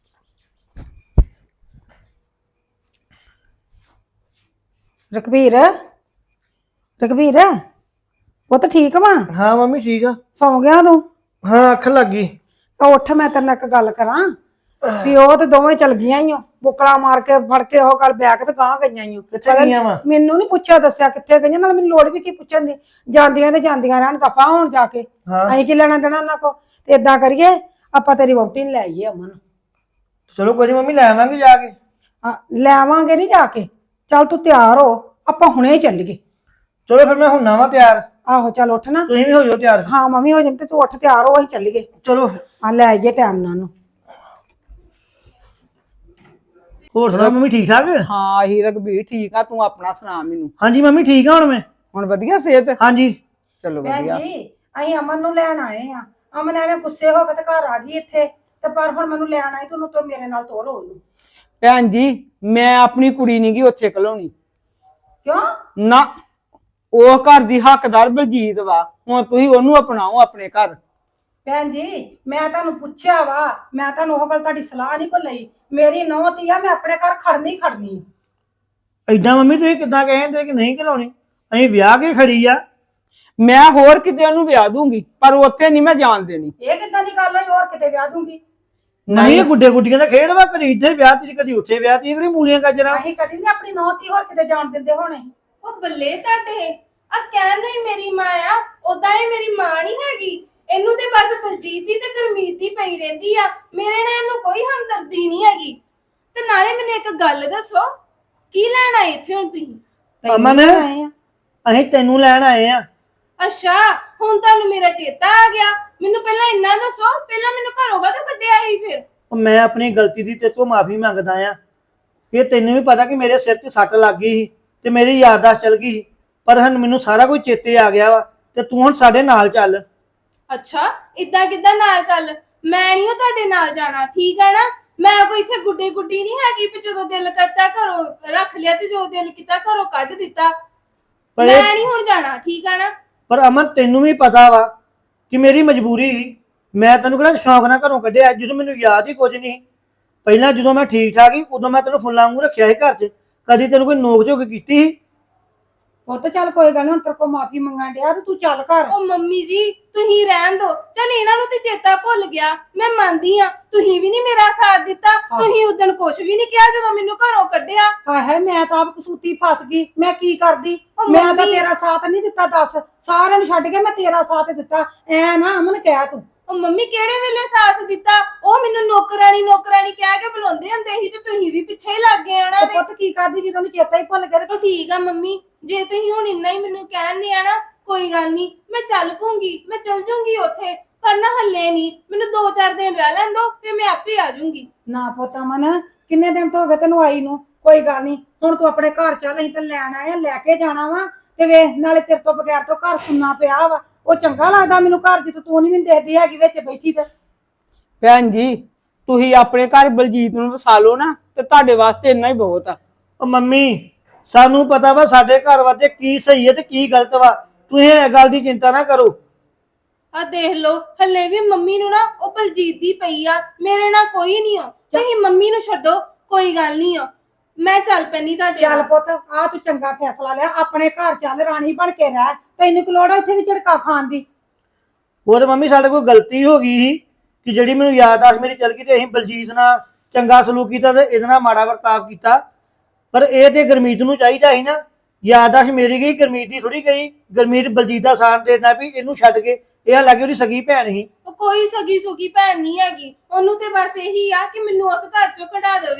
ਰਘਬੀਰ ਰਘਬੀਰ ਉਹ ਤਾਂ ਠੀਕ ਵਾ,
ਹਾਂ ਮੰਮੀ ਠੀਕ ਆ।
ਸੌਂ ਗਿਆ ਤੂੰ?
ਹਾਂ ਅੱਖ ਲੱਗ ਗਈ।
ਉੱਠ ਮੈਂ ਤੇਰੇ ਨਾਲ ਇੱਕ ਗੱਲ ਕਰਾਂ ਵੀ ਉਹ ਤੇ ਦੋਵੇਂ ਚਲ ਗਈਆਂ ਈ ਓ, ਬੁਕਲਾ ਮਾਰ ਕੇ ਫੜ ਕੇ ਉਹ ਗੱਲ ਬੈਗ ਤੇ ਗਾਂ ਗਈਆਂ ਈ ਓ।
ਕਿੱਥੇ ਗਈਆਂ ਵਾ?
ਮੈਨੂੰ ਨਹੀਂ ਪੁੱਛਿਆ ਦੱਸਿਆ ਕਿੱਥੇ ਗਈਆਂ, ਨਾਲ ਮੈਨੂੰ ਲੋੜ ਵੀ ਕੀ ਪੁੱਛਣ ਦੀ, ਜਾਂਦੀਆਂ ਤੇ ਜਾਂਦੀਆਂ ਰਹਿਣ, ਦਫਾ ਹੋਣ ਜਾ ਕੇ।
ਹਾਂ
ਅਸੀਂ ਕੀ ਲੈਣਾ ਦੇਣਾ ਉਹਨਾਂ ਕੋ, ਤੇ ਏਦਾਂ ਕਰੀਏ ਆਪਾਂ ਤੇਰੀ ਵਹੁਟੀ ਨੂੰ ਲੈ ਆਈਏ ਅਮਨ।
ਚਲੋ ਕੋਈ ਨੀ ਮੰਮੀ, ਲੈ ਆਵਾਂਗੇ ਜਾ ਕੇ।
ਲੈ ਆਵਾਂਗੇ ਨਹੀਂ ਜਾ ਕੇ, ਚੱਲ ਤੂੰ ਤਿਆਰ ਹੋ, ਆਪਾਂ ਹੁਣੇ ਹੀ ਚੱਲੀਏ।
ਚਲੋ ਫਿਰ ਮੈਂ ਹੁੰਨਾ ਵਾ ਤਿਆਰ,
ਆਹੋ ਚੱਲ ਉੱਠ ਨਾ।
ਤੁਸੀਂ ਵੀ ਹੋ ਜਾਓ ਤਿਆਰ।
ਹਾਂ ਮੰਮੀ ਹੋ ਜਾਂਦੀ ਤੇ ਤੂੰ ਉੱਠ ਤਿਆਰ ਹੋ, ਅਸੀਂ ਚੱਲੀਏ।
ਚਲੋ ਫਿਰ।
ਆ ਲੈ ਆਈਏ ਟਾਈਮ ਨਾਲ ਉਹਨੂੰ।
ਹੋਰ ਸੁਣਾ ਮੰਮੀ, ਠੀਕ ਠਾਕ?
ਹਾਂ ਹੀ ਰਘਬੀਰ ਠੀਕ ਆ, ਤੂੰ ਆਪਣਾ ਸੁਣਾ ਮੈਨੂੰ।
ਹਾਂਜੀ ਮੰਮੀ ਠੀਕ ਆ ਹੁਣ ਮੈਂ।
ਹੁਣ ਵਧੀਆ ਸਿਹਤ?
ਹਾਂਜੀ
ਚਲੋ
ਭੈਣ
ਵਧੀਆ।
ਜੀ ਅਸੀਂ ਅਮਨ ਨੂੰ ਲੈਣ ਆਏ ਆ, ਅਮਨ ਐਵੇਂ ਗੁੱਸੇ ਹੋ ਕੇ ਤੇ ਘਰ ਆ ਗਈ ਇੱਥੇ, ਤੇ ਪਰ ਹੁਣ ਮੈਨੂੰ ਲੈਣ ਆਈ, ਤੈਨੂੰ ਤੋਂ ਮੇਰੇ ਨਾਲ ਤੋਰ ਹੋ।
ਭੈਣ ਜੀ ਮੈਂ ਆਪਣੀ ਕੁੜੀ ਨੀ ਗੀ ਉੱਥੇ ਘਲਾਉਣੀ।
ਕਿਉਂ?
ਨਾ, ਉਹ ਘਰ ਦੀ ਹੱਕਦਾਰ ਬਲਜੀਤ ਵਾ, ਹੁਣ ਤੁਸੀਂ ਉਹਨੂੰ ਅਪਣਾਓ ਆਪਣੇ ਘਰ।
ਭੈਣ ਜੀ ਮੈਂ ਤੁਹਾਨੂੰ ਪੁੱਛਿਆ ਵਾ, ਮੈਂ ਤੁਹਾਨੂੰ ਉਹ ਗੱਲ ਤੁਹਾਡੀ ਸਲਾਹ ਨਹੀਂ ਕੋ ਲਈ, ਮੇਰੀ ਨੌਂ ਧੀ ਆ, ਮੈਂ ਆਪਣੇ ਘਰ ਖੜਨੀ ਖੜਨੀ।
ਏਦਾਂ ਮੰਮੀ ਤੁਸੀਂ ਕਿੱਦਾਂ ਕਹਿੰਦੇ ਕਿ ਨਹੀਂ ਘਲਾਉਣੀ? ਅਸੀਂ ਵਿਆਹ ਕੇ ਖੜੀ ਆ।
ਮੈਂ ਹੋਰ ਕਿਤੇ ਉਹਨੂੰ ਵਿਆਹ ਦੂੰਗੀ, ਪਰ ਉੱਥੇ ਨਹੀਂ ਮੈਂ ਜਾਣ ਦੇਣੀ।
ਇਹ ਕਿੱਦਾਂ ਦੀ ਗੱਲ ਹੋਈ, ਹੋਰ ਕਿਤੇ ਵਿਆਹ ਦੂੰਗੀ?
ਨਹੀਂ ਇਹ ਗੁੱਡੇ ਗੁੱਡੀਆਂ ਦਾ ਖੇਡ ਵਾ, ਕਦੀ ਇੱਧਰ ਵਿਆਹ ਤੀ ਕਦੀ ਉੱਥੇ ਵਿਆਹ ਤੀ, ਕਿਹੜੀ ਮੂਲੀਆਂ ਗਾਜਰਾਂ।
ਅਸੀਂ ਕਦੀ ਨਹੀਂ ਆਪਣੀ ਨੌਂ ਧੀ ਹੋਰ ਕਿਤੇ ਜਾਣ ਦਿੰਦੇ ਹੋਣੇ।
ਉਹ ਬੱਲੇ ਤੁਹਾਡੇ ਆ ਕਹਿਣ ਨਹੀਂ ਮੇਰੀ ਮਾਂ ਆ, ਉਦਾਂ ਇਹ ਮੇਰੀ ਮਾਂ ਨਹੀਂ ਹੈਗੀ। ਇਹਨੂੰ ਤੇ ਬਸ ਬਲਜੀਤ ਦੀ ਤੇ ਗੁਰਮੀਤ ਦੀ ਪਈ ਰਹਿੰਦੀ ਆ, ਮੇਰੇ ਨਾਲ ਇਹਨੂੰ ਕੋਈ ਹਮਦਰਦੀ ਨਹੀਂ ਹੈਗੀ। ਤੇ ਨਾਲੇ ਮੈਨੂੰ ਇੱਕ ਗੱਲ ਦੱਸੋ, ਕੀ ਲੈਣ ਆਏ ਇੱਥੇ ਹੁਣ ਤੁਸੀਂ?
ਅਮਨ ਅਸੀਂ ਤੈਨੂੰ ਲੈਣ ਆਏ ਆ।
ਅੱਛਾ ਹੁਣ ਤੁਹਾਨੂੰ ਮੇਰਾ ਚੇਤਾ ਆ ਗਿਆ, ਮੈਨੂੰ ਪਹਿਲਾਂ ਇੰਨਾ ਦੱਸੋ, ਪਹਿਲਾਂ ਮੈਨੂੰ ਘਰੋਂ ਕਾਹਤੋਂ ਕੱਢਿਆ ਸੀ ਫਿਰ?
ਉਹ ਮੈਂ ਆਪਣੀ ਗਲਤੀ ਦੀ ਤੇਰੇ ਤੋਂ ਮਾਫੀ ਮੰਗਦਾ ਆ। ਇਹ ਤੈਨੂੰ ਵੀ ਪਤਾ ਕਿ ਮੇਰੇ ਸਿਰ 'ਤੇ ਸੱਟ ਲੱਗ ਗਈ ਸੀ ਤੇ ਮੇਰੀ ਯਾਦਦਾਸ਼ਤ ਚਲ ਗਈ ਸੀ, ਪਰ ਹੁਣ ਮੈਨੂੰ ਸਾਰਾ ਕੁਝ ਚੇਤੇ ਆ ਗਿਆ ਵਾ, ਤੇ ਤੂੰ ਹੁਣ ਸਾਡੇ ਨਾਲ ਚੱਲ।
ਅੱਛਾ ਇਦਾਂ ਕਿੱਦਾਂ ਨਾਲ ਚੱਲ? ਮੈਂ ਨਹੀਂ ਤੁਹਾਡੇ ਨਾਲ ਜਾਣਾ, ਠੀਕ ਹੈ ਨਾ? ਮੈਂ ਕੋਈ ਇੱਥੇ ਗੁੱਡੀ ਗੁੱਡੀ ਨਹੀਂ ਹੈਗੀ ਵੀ ਜਦੋਂ ਦਿਲ ਕਰਤਾ ਘਰੋਂ ਰੱਖ ਲਿਆ ਤੇ ਜੋ ਦਿਲ ਕੀਤਾ ਘਰੋਂ ਕੱਢ ਦਿੱਤਾ।
ਪਰ
ਮੈਂ ਨਹੀਂ ਹੁਣ ਜਾਣਾ, ਠੀਕ ਹੈ ਨਾ?
ਪਰ ਅਮਨ ਤੈਨੂੰ ਵੀ ਪਤਾ ਵਾ ਕਿ ਮੇਰੀ ਮਜਬੂਰੀ ਸੀ। ਮੈਂ ਤੈਨੂੰ ਕਿਹੜਾ ਸ਼ੌਂਕ ਨਾਲ ਘਰੋਂ ਕੱਢਿਆ, ਜਦੋਂ ਮੈਨੂੰ ਯਾਦ ਹੀ ਕੁਝ ਨਹੀਂ। ਪਹਿਲਾਂ ਜਦੋਂ ਮੈਂ ਠੀਕ ਠਾਕ ਸੀ ਉਦੋਂ ਮੈਂ ਤੈਨੂੰ ਫੁੱਲਾਂ ਵਾਂਗੂ ਰੱਖਿਆ ਸੀ ਘਰ 'ਚ, ਕਦੀ ਤੈਨੂੰ ਕੋਈ ਨੋਕ ਝੋਕ ਕੀਤੀ ਸੀ?
ਉਹ ਤਾਂ ਚੱਲ ਕੋਈ ਗੱਲ ਨੀ, ਹੁਣ ਤੇਰੇ ਕੋਲ ਮਾਫੀ ਮੰਗਣ ਡਿਆ ਤੇ ਤੂੰ ਚੱਲ ਘਰ।
ਉਹ ਮੰਮੀ ਜੀ ਤੁਸੀਂ ਰਹਿਣ ਦੋ, ਚੱਲ ਇਹਨਾਂ ਨੂੰ ਤੇ ਚੇਤਾ ਭੁੱਲ ਗਿਆ, ਮੈਂ ਮੰਨਦੀ ਆ ਤੁਸੀਂ ਵੀ ਨਹੀਂ ਮੇਰਾ ਸਾਥ ਦਿੱਤਾ। ਤੁਸੀਂ ਉਦੋਂ ਕੁਝ ਵੀ ਨਹੀਂ ਕਿਹਾ ਜਦੋਂ ਮੈਨੂੰ ਘਰੋਂ ਕੱਢਿਆ।
ਹਾਏ ਮੈਂ ਤਾਂ ਆਪ ਕਸੂਤੀ ਫਸ ਗਈ, ਮੈਂ ਕੀ ਕਰਦੀ?
ਉਹ
ਮੈਂ ਤਾਂ
ਮੰਮੀ-
ਤੇਰਾ ਸਾਥ ਨਹੀਂ ਦਿੱਤਾ, ਦੱਸ ਸਾਰਿਆਂ ਨੂੰ ਛੱਡ ਕੇ ਮੈਂ ਤੇਰਾ ਸਾਥ ਦਿੱਤਾ। ਐ ਨਾ ਅਮਨ ਕਹਿ ਤੂੰ।
ਉਹ ਮੰਮੀ ਕਿਹੜੇ ਵੇਲੇ ਸਾਥ ਦਿੱਤਾ? ਉਹ ਮੈਨੂੰ ਨੌਕਰਾਨੀ ਨੌਕਰਾਨੀ ਕਹਿ ਕੇ ਬੁਲਾਉਂਦੇ ਹੁੰਦੇ ਸੀ ਤੇ ਤੁਸੀਂ ਵੀ ਪਿੱਛੇ ਹੀ ਲੱਗ ਗਏ ਉਹਨਾਂ
ਤੇ
ਦੇ।
ਪੁੱਤ ਕੀ ਕਰਦੀ ਜਦੋਂ ਮੈਨੂੰ ਚੇਤਾ ਹੀ ਭੁੱਲ ਗਿਆ ਤੇ
ਚਲੋ ਠੀਕ ਆ ਮੰਮੀ, ਜੇ ਤੁਸੀਂ ਹੁਣ ਇੰਨਾ ਹੀ ਮੈਨੂੰ ਕਹਿੰਦੇ ਆ ਨਾ, ਕੋਈ ਗੱਲ ਨਹੀਂ, ਮੈਂ ਚੱਲ ਪੂੰਗੀ, ਮੈਂ ਚੱਲ ਜੂੰਗੀ ਉੱਥੇ, ਪਰ ਨਾ ਹੱਲੇ ਨਹੀਂ, ਮੈਨੂੰ 2-4 ਦਿਨ ਰਹਿ ਲੈਣ ਦੋ, ਫਿਰ ਮੈਂ ਆਪੇ ਆ ਜੂੰਗੀ।
ਨਾ ਪੁੱਤ ਅਮਨ ਕਿੰਨੇ ਦਿਨ ਤੋਂ ਹੋ ਗਏ ਤੈਨੂੰ ਆਈ ਨੂੰ, ਕੋਈ ਗੱਲ ਨਹੀਂ, ਹੁਣ ਤੂੰ ਆਪਣੇ ਘਰ ਚੱਲ, ਅਸੀਂ ਤਾਂ ਲੈਣ ਆਏ ਆ, ਲੈ ਕੇ ਜਾਣਾ ਵਾ। ਤੇ ਵੇ ਨਾਲੇ ਤੇਰੇ ਤੋਂ ਬਗੈਰ ਤੋਂ ਘਰ ਸੁਣਨਾ ਪਿਆ ਵਾ, ਉਹ ਚੰਗਾ ਲੱਗਦਾ ਮੈਨੂੰ ਘਰ ਜਿੱਥੇ ਤੂੰ ਨਹੀਂ ਮੈਨੂੰ ਦੇਖਦੀ ਹੈਗੀ ਵਿੱਚ ਬੈਠੀ ਤੇ।
ਭੈਣ ਜੀ ਤੁਸੀਂ ਆਪਣੇ ਘਰ ਬਲਜੀਤ ਨੂੰ ਵਸਾ ਲਓ ਨਾ, ਤੇ ਤੁਹਾਡੇ ਵਾਸਤੇ ਇੰਨਾ ਹੀ ਬਹੁਤ ਆ।
ਉਹ ਮੰਮੀ ਸਾਨੂੰ ਪਤਾ ਵਾ ਸਾਡੇ ਘਰ ਵਾਸਤੇ ਕੀ ਸਹੀ ਹੈ ਤੇ ਕੀ ਗਲਤ ਵਾ, ਤੁਸੀਂ ਇਹ ਗੱਲ ਦੀ ਚਿੰਤਾ ਨਾ ਕਰੋ।
ਆ ਦੇਖ ਲਓ ਹੱਲੇ ਵੀ ਮੰਮੀ ਨੂੰ ਨਾ ਉਹ ਬਲਜੀਤ ਦੀ ਪਈ ਆ, ਮੇਰੇ ਨਾਲ ਕੋਈ ਨਹੀਂ ਹੋ। ਤੁਸੀਂ ਮੰਮੀ ਨੂੰ ਛੱਡੋ, ਕੋਈ ਗੱਲ ਨਹੀਂ ਹੋ, ਮੈਂ ਚੱਲ ਪੈਣੀ ਤੁਹਾਡੇ
ਚੱਲ
ਨਾਲ।
ਪੁੱਤ ਆ ਤੂੰ ਚੰਗਾ ਫੈਸਲਾ ਲਿਆ, ਆਪਣੇ ਘਰ ਚੱਲ, ਰਾਣੀ ਬਣ ਕੇ ਰਹਿ, ਤੈਨੂੰ ਕੀ ਲੋੜ ਆ ਇੱਥੇ ਵੀ ਝੜਕਾ ਖਾਣ ਦੀ?
ਉਹ ਤਾਂ ਮੰਮੀ ਸਾਡੇ ਕੋਲ ਗਲਤੀ ਹੋ ਗਈ ਸੀ ਕਿ ਜਿਹੜੀ ਮੈਨੂੰ ਯਾਦਦਾਸ਼ਤ ਮੇਰੀ ਚਲ ਗਈ, ਤੇ ਅਸੀਂ ਬਲਜੀਤ ਨਾਲ ਚੰਗਾ ਸਲੂਕ ਕੀਤਾ ਤੇ ਇਹਦੇ ਨਾਲ ਮਾੜਾ ਵਰਤਾਵ ਕੀਤਾ। ਪਰ ਇਹ ਤੇ ਗੁਰਮੀਤ ਨੂੰ ਚਾਹੀਦਾ ਸੀ ਨਾ, ਯਾਦਦਾਸ਼ਤ ਮੇਰੀ ਗਈ, ਗੁਰਮੀਤ ਦੀ ਥੋੜੀ ਗਈ। ਗੁਰਮੀਤ ਬਲਜੀਤ ਦਾ ਸਾਥ ਦੇਣਾ ਵੀ ਇਹਨੂੰ ਛੱਡ ਕੇ, ਇਹ ਲੱਗੇ ਉਹਦੀ ਸਗੀ ਭੈਣ ਸੀ।
ਉਹ ਕੋਈ ਸਗੀ ਸੁਗੀ ਭੈਣ ਨਹੀਂ ਹੈਗੀ, ਉਹਨੂੰ ਤੇ ਬਸ ਇਹੀ ਆ ਕਿ ਮੈਨੂੰ ਉਸ ਘਰ ਚੋਂ ਕਢਾ ਦੇਵੇ।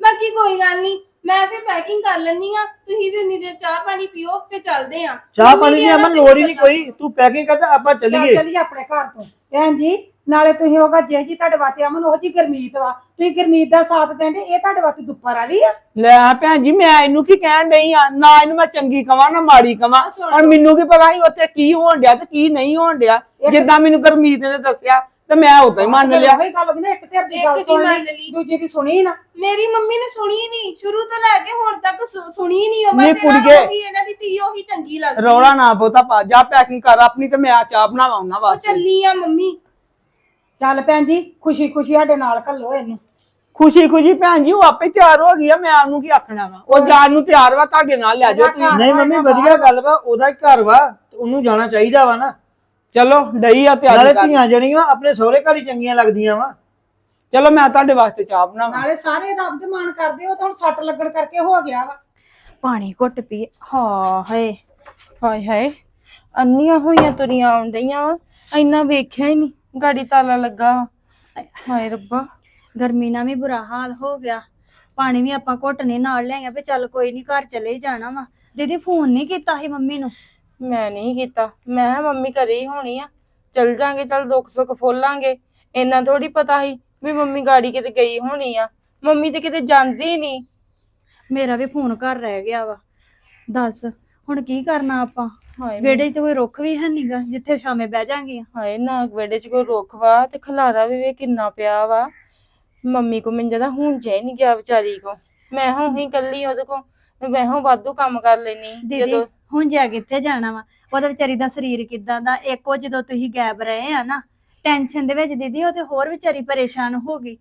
ਬਾਕੀ ਕੋਈ ਗੱਲ ਨਹੀਂ, ਮੈਂ ਫਿਰ ਪੈਕਿੰਗ ਕਰ ਲੈਣੀ ਆ, ਤੁਸੀਂ ਵੀ ਉਨੀ ਦੇਰ ਚਾਹ ਪਾਣੀ ਪੀਓ, ਫਿਰ ਚੱਲਦੇ ਆ।
ਚਾਹ ਪਾਣੀ ਦੀ ਅਮਨ ਲੋੜ ਹੀ ਨਹੀਂ ਕੋਈ, ਤੂੰ ਪੈਕਿੰਗ ਕਰ ਤੇ ਆਪਾਂ ਚੱਲੀਏ।
ਚੱਲੀਏ ਆਪਣੇ ਘਰ ਤੋਂ ਭੈਣ ਜੀ। ਨਾਲੇ ਤੁਸੀਂ ਹੋਗਾ ਜੇ ਜੀ ਤੁਹਾਡੇ ਵਾਸਤੇ ਅਮਨ ਉਹ ਜੀ ਗਰਮੀਤ ਵਾ, ਤੁਸੀਂ ਗਰਮੀਤ ਦਾ ਸਾਥ ਦੇਂਦੇ, ਇਹ ਤੁਹਾਡੇ ਵਾਸਤੇ ਦੁੱਪਰ ਆ ਰਹੀ ਆ।
ਲੈ ਭੈਣ ਜੀ ਮੈਂ ਇਹਨੂੰ ਕੀ ਕਹਿਣ ਡਈ ਆ, ਨਾ ਇਹਨੂੰ ਮੈਂ ਚੰਗੀ ਕਵਾਂ ਨਾ ਮਾੜੀ ਕਵਾਂ।
ਆਹ ਸੁਣ
ਹੁਣ ਮੈਨੂੰ ਕੀ ਪਤਾ ਸੀ ਉੱਥੇ ਕੀ ਹੋਣ ਡਿਆ ਤੇ ਕੀ ਨਹੀਂ ਹੋਣ ਡਿਆ। ਜਿੱਦਾਂ ਮੈਨੂੰ ਗੁਰਮੀਤ ਨੇ ਦੱਸਿਆ ਤੇ ਮੈਂ ਉਦਾਂ ਹੀ ਮੰਨ ਲਿਆ।
ਉਹੀ ਗੱਲ ਵੀ ਨਾ, ਇੱਕ ਧਿਰ ਦੀ
ਇੱਕ
ਗੱਲ
ਦੀ
ਸੁਣ
ਮੰਨ
ਲਈ,
ਲਈ।
ਦੂਜੀ ਦੀ ਸੁਣੀ ਨਾ।
ਮੇਰੀ ਮੰਮੀ ਨੇ ਸੁਣੀ ਹੀ ਨਹੀਂ, ਸ਼ੁਰੂ ਤੋਂ ਲੈ ਕੇ ਹੁਣ ਤੱਕ ਸੁਣੀ ਨਹੀਂ। ਉਹ
ਨਹੀਂ
ਬਸ ਇਹਨਾਂ
ਕੁੜੀਏ।
ਨੂੰ ਉਹੀ ਇਹਨਾਂ ਦੀ ਧੀ ਉਹੀ ਚੰਗੀ ਲੱਗਦੀ।
ਰੌਲਾ ਨਾ ਬਹੁਤਾ ਪਾ, ਜਾ ਪੈਕਿੰਗ ਕਰ ਆਪਣੀ ਤੇ ਮੈਂ ਚਾਹ ਬਣਾਵਾਂ ਉਹਨਾਂ
ਉਹ
ਵਾਸਤੇ।
ਚੱਲੀ ਆ ਮੰਮੀ।
ਚੱਲ ਭੈਣ ਜੀ, ਖੁਸ਼ੀ ਖੁਸ਼ੀ ਸਾਡੇ ਨਾਲ ਘੱਲੋ ਇਹਨੂੰ।
ਖੁਸ਼ੀ ਖੁਸ਼ੀ ਭੈਣ ਜੀ ਉਹ ਆਪੇ ਤਿਆਰ ਹੋ ਗਈ ਆ, ਮੈਂ ਉਹਨੂੰ ਕੀ ਆਖਣਾ ਵਾ। ਉਹ ਜਾਣ ਨੂੰ ਤਿਆਰ ਵਾ, ਤੁਹਾਡੇ ਨਾਲ ਲੈ ਜਾਓ ਤੁਸੀਂ।
ਨਹੀਂ ਮੰਮੀ ਵਧੀਆ ਗੱਲ ਵਾ, ਉਹਦਾ ਹੀ ਘਰ ਵਾ ਤੇ ਉਹਨੂੰ ਜਾਣਾ ਚਾਹੀਦਾ ਵਾ ਨਾ।
ਚਲੋ ਡਈ ਆ
ਨਾਲੇ
ਤਿਆਰੀ ਕਰ।
ਧੀਆਂ ਜਿਹੜੀਆਂ ਆਪਣੇ ਸਹੁਰੇ ਘਰ ਹੀ ਚੰਗੀਆਂ ਲੱਗਦੀਆਂ ਵਾ।
ਚਲੋ ਮੈਂ ਤੁਹਾਡੇ ਵਾਸਤੇ ਚਾਹ ਬਣਾਵਾਂ।
ਨਾਲੇ ਸਾਰੇ ਰੱਬ ਦੇ ਮਾਣ ਕਰਦੇ ਹੋ ਤਾਂ ਹੁਣ ਸੱਟ ਲੱਗਣ ਕਰਕੇ ਹੋ ਗਿਆ ਵਾ।
ਪਾਣੀ ਘੁੱਟ ਪੀ। ਹਾਂ ਹਾਏ ਹਾਏ ਹਾਏ, ਅੰਨੀਆਂ ਹੋਈਆਂ ਤੁਰੀਆਂ ਆਉਂਦੀਆਂ ਵਾ, ਇੰਨਾ ਵੇਖਿਆ ਹੀ ਨਹੀਂ ਗਾੜੀ ਤਾਲਾ ਲੱਗਾ ਵਾ। ਹਾਏ ਰੱਬਾ,
ਗਰਮੀ ਨਾਲ ਵੀ ਬੁਰਾ ਹਾਲ ਹੋ ਗਿਆ। ਪਾਣੀ ਵੀ ਆਪਾਂ ਘੁੱਟਨੇ ਨਾਲ ਲੈ ਆਏ ਵੀ ਚੱਲ ਕੋਈ ਨਹੀਂ ਘਰ ਚਲੇ ਹੀ ਜਾਣਾ ਵਾ। ਦੀਦੀ ਫੋਨ ਨਹੀਂ ਕੀਤਾ ਸੀ ਮੰਮੀ ਨੂੰ?
ਮੈਂ ਨਹੀਂ ਕੀਤਾ। ਮੈਂ ਕਿਹਾ ਮੰਮੀ ਘਰੇ ਹੀ ਹੋਣੀ ਆ, ਚਲ ਜਾਾਂਗੇ, ਚੱਲ ਦੁੱਖ ਸੁੱਖ ਫੋਲਾਂਗੇ। ਇੰਨਾ ਥੋੜੀ ਪਤਾ ਸੀ ਵੀ ਮੰਮੀ ਗਾੜੀ ਕਿਤੇ ਗਈ ਹੋਣੀ ਆ। ਮੰਮੀ ਤੇ ਕਿਤੇ ਜਾਂਦੀ ਨਹੀਂ।
ਮੇਰਾ ਵੀ ਫੋਨ ਘਰ ਰਹਿ ਗਿਆ ਵਾ। ਦੱਸ ਹੁਣ ਕੀ ਕਰਨਾ ਆਪਾਂ?
ਹਾਏ
ਵਿਹੜੇ 'ਚ ਤਾਂ ਕੋਈ ਰੁੱਖ ਵੀ ਹੈ ਨਹੀਂਗਾ ਜਿੱਥੇ ਸ਼ਾਮੇ ਬਹਿ ਜਾਾਂਗੀਆਂ।
ਹਾਏ ਨਾ ਵਿਹੜੇ 'ਚ ਕੋਈ ਰੁੱਖ ਵਾ ਤੇ ਖਲਾਰਾ ਵੀ ਵੇ ਕਿੰਨਾ ਪਿਆ ਵਾ। ਮੰਮੀ ਕੋ ਮੈਨੂੰ ਜਦਾ ਹੁਣ ਹੀ ਨਹੀਂ ਗਿਆ ਵਿਚਾਰੀ ਕੋ। ਮੈਂ ਹੁਣ ਹੀ ਕੱਲੀ ਉਹਦੇ ਕੋ, ਮੈਂ ਹੁਣ ਵਾਧੂ ਕੰਮ ਕਰ ਲੈਣੀ।
ਦੀਦੀ ਹੁਣ ਜਾ ਕਿੱਥੇ ਜਾਣਾ ਵਾ? ਉਹਦਾ ਵਿਚਾਰੀ ਦਾ ਸਰੀਰ ਕਿਦਾਂ ਦਾ, ਇੱਕੋ ਜਦੋਂ ਤੁਸੀਂ ਗਾਇਬ ਰਹੇ ਆ ਨਾ ਟੈਨਸ਼ਨ ਦੇ ਵਿੱਚ ਦੀਦੀ, ਉਹ ਤੇ ਹੋਰ ਵਿਚਾਰੀ ਪਰੇਸ਼ਾਨ ਹੋ ਗਈ।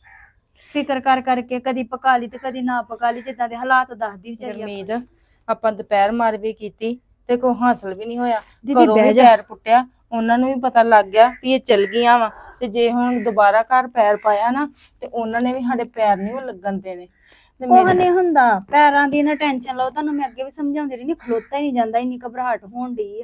ਫਿਕਰ ਕਰ ਕਰਕੇ ਕਦੀ ਪਕਾ ਲਈ ਤੇ ਕਦੀ ਨਾ ਪਕਾ ਲਈ, ਜਿੱਦਾਂ ਦੇ ਹਾਲਾਤ ਦੱਸਦੀ ਵਿਚਾਰੀ।
ਗੁਰਮੀਤ ਆਪਾਂ ਦੁਪਹਿਰ ਮਾਰ ਵੀ ਕੀਤੀ ਤੇ ਕੋਈ ਹਾਸਲ ਵੀ ਨਹੀਂ ਹੋਇਆ।
ਦੀਦੀ
ਘਰੋਂ
ਬਹਿ
ਵੀ
ਜਾ।
ਪੈਰ ਪੁੱਟਿਆ, ਉਹਨਾਂ ਨੂੰ ਵੀ ਪਤਾ ਲੱਗ ਗਿਆ ਵੀ ਇਹ ਚਲ ਗਈਆਂ ਵਾ। ਤੇ ਜੇ ਹੁਣ ਦੁਬਾਰਾ ਘਰ ਪੈਰ ਪਾਇਆ ਨਾ ਤੇ ਉਹਨਾਂ ਨੇ ਵੀ ਸਾਡੇ ਪੈਰ ਨਹੀਂ ਲੱਗਣ ਦੇਣੇ। ਤੇ
ਉਹ
ਮੇਰਾ-
ਨਹੀਂ ਹੁੰਦਾ, ਪੈਰਾਂ ਦੀ ਨਾ ਟੈਨਸ਼ਨ ਲਓ। ਤੁਹਾਨੂੰ ਮੈਂ ਅੱਗੇ ਵੀ ਸਮਝਾਉਂਦੀ ਰਹੀ, ਖਲੋਤਾ ਹੀ ਨਹੀਂ ਜਾਂਦਾ, ਇੰਨੀ ਘਬਰਾਹਟ ਹੋਣ ਡਈ ਆ।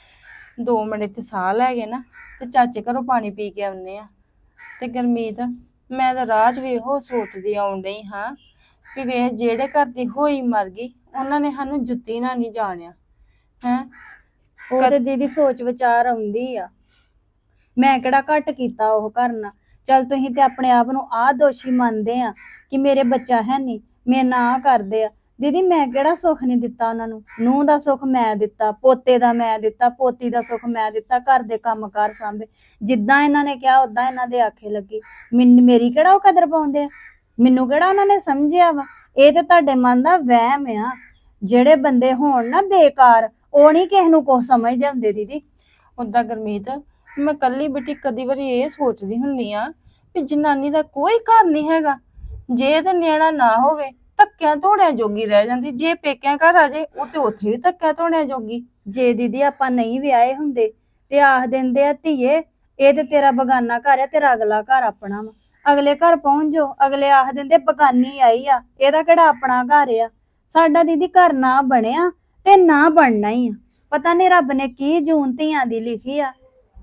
2 ਮਿੰਟ ਇੱਥੇ ਸਾਹ ਲੈ ਗਏ ਨਾ ਤੇ ਚਾਚੇ ਘਰੋਂ ਪਾਣੀ ਪੀ ਕੇ ਆਉਨੇ ਆ। ਤੇ ਗੁਰਮੀਤ ਮੈਂ ਤਾਂ ਰਾਹ 'ਚ ਵੀ ਇਹੋ ਸੋਚਦੀ ਆਉਣ ਡਈ ਹਾਂ ਵੀ ਵੇ ਜਿਹੜੇ ਘਰ ਦੀ ਹੋਈ ਮਰ ਗਈ, ਉਹਨਾਂ ਨੇ ਸਾਨੂੰ ਜੁੱਤੀ ਨਾਲ ਨਹੀਂ ਜਾਣਿਆ ਹੈ।
ਉਹ ਤੇ ਦੀਦੀ ਸੋਚ ਵਿਚਾਰ ਆਉਂਦੀ ਆ। ਮੈਂ ਕਿਹੜਾ ਘੱਟ ਕੀਤਾ ਉਹ ਕਰਨਾ। ਚੱਲ ਤੁਸੀਂ ਤੇ ਆਪਣੇ ਆਪ ਨੂੰ ਆਹ ਦੋਸ਼ੀ ਮੰਨਦੇ ਆ ਕਿ ਮੇਰੇ ਬੱਚਾ ਹੈ ਨਹੀਂ, ਮੇਰੇ ਨਾਲ ਕਰਦੇ ਆ। ਦੀਦੀ ਮੈਂ ਕਿਹੜਾ ਸੁੱਖ ਨਹੀਂ ਦਿੱਤਾ ਉਹਨਾਂ ਨੂੰ? ਨੂੰਹ ਦਾ ਸੁੱਖ ਮੈਂ ਦਿੱਤਾ, ਪੋਤੇ ਦਾ ਮੈਂ ਦਿੱਤਾ, ਪੋਤੀ ਦਾ ਸੁੱਖ ਮੈਂ ਦਿੱਤਾ, ਘਰ ਦੇ ਕੰਮ ਕਾਰ ਸਾਂਭੇ। ਜਿੱਦਾਂ ਇਹਨਾਂ ਨੇ ਕਿਹਾ ਉਦਾਂ ਇਹਨਾਂ ਦੇ ਆਖੇ ਲੱਗੀ। ਮੇਰੀ ਕਿਹੜਾ ਉਹ ਕਦਰ ਪਾਉਂਦੇ ਆ? ਮੈਨੂੰ ਕਿਹੜਾ ਉਹਨਾਂ ਨੇ ਸਮਝਿਆ ਵਾ? ਇਹ ਤੇ ਤੁਹਾਡੇ ਮਨ ਦਾ ਵਹਿਮ ਆ। ਜਿਹੜੇ ਬੰਦੇ ਹੋਣ ਨਾ ਬੇਕਾਰ, ਉਹ ਨਹੀਂ ਕਿਸੇ ਨੂੰ ਕੁਛ ਸਮਝਦੇ ਹੁੰਦੇ ਦੀਦੀ।
ਓਦਾਂ ਗੁਰਮੀਤ ਮੈਂ ਕੱਲੀ ਬੇਟੀ ਕਦੀ ਵਾਰੀ ਇਹ ਸੋਚਦੀ ਹੁੰਨੀ ਆ ਵੀ ਜਨਾਨੀ ਦਾ ਕੋਈ ਘਰ ਨਹੀਂ ਹੈਗਾ। ਜੇ ਤੇ ਨਿਆਣਾ ਨਾ ਹੋਵੇ ਧੱਕਿਆਂ ਧੋੜਿਆਂ ਜੋਗੀ ਰਹਿ ਜਾਂਦੀ। ਜੇ ਪੇਕਿਆਂ ਘਰ ਆ ਜੇ ਉਹ ਤੇ ਉੱਥੇ ਵੀ ਧੱਕਿਆਂ ਧੋੜਿਆਂ ਜੋਗੀ।
ਜੇ ਦੀਦੀ ਆਪਾਂ ਨਹੀਂ ਵਿਆਹੇ ਹੁੰਦੇ ਤੇ ਆਖ ਦਿੰਦੇ ਆ ਧੀਏ ਇਹ ਤੇ ਤੇਰਾ ਬਗਾਨਾ ਘਰ ਆ, ਤੇਰਾ ਅਗਲਾ ਘਰ ਆਪਣਾ ਵਾ। ਅਗਲੇ ਘਰ ਪਹੁੰਚ ਜਾਓ, ਅਗਲੇ ਆਖ ਦਿੰਦੇ ਬਗਾਨੀ ਆਈ ਆ, ਇਹਦਾ ਕਿਹੜਾ ਆਪਣਾ ਘਰ ਆ। ਸਾਡਾ ਦੀਦੀ ਘਰ ਨਾ ਬਣਿਆ ਤੇ ਨਾ ਬਣਨਾ ਹੀ ਆ। ਪਤਾ ਨਹੀਂ ਰੱਬ ਨੇ ਕੀ ਜੂਨ ਧੀਆਂ ਦੀ ਲਿਖੀ ਆ।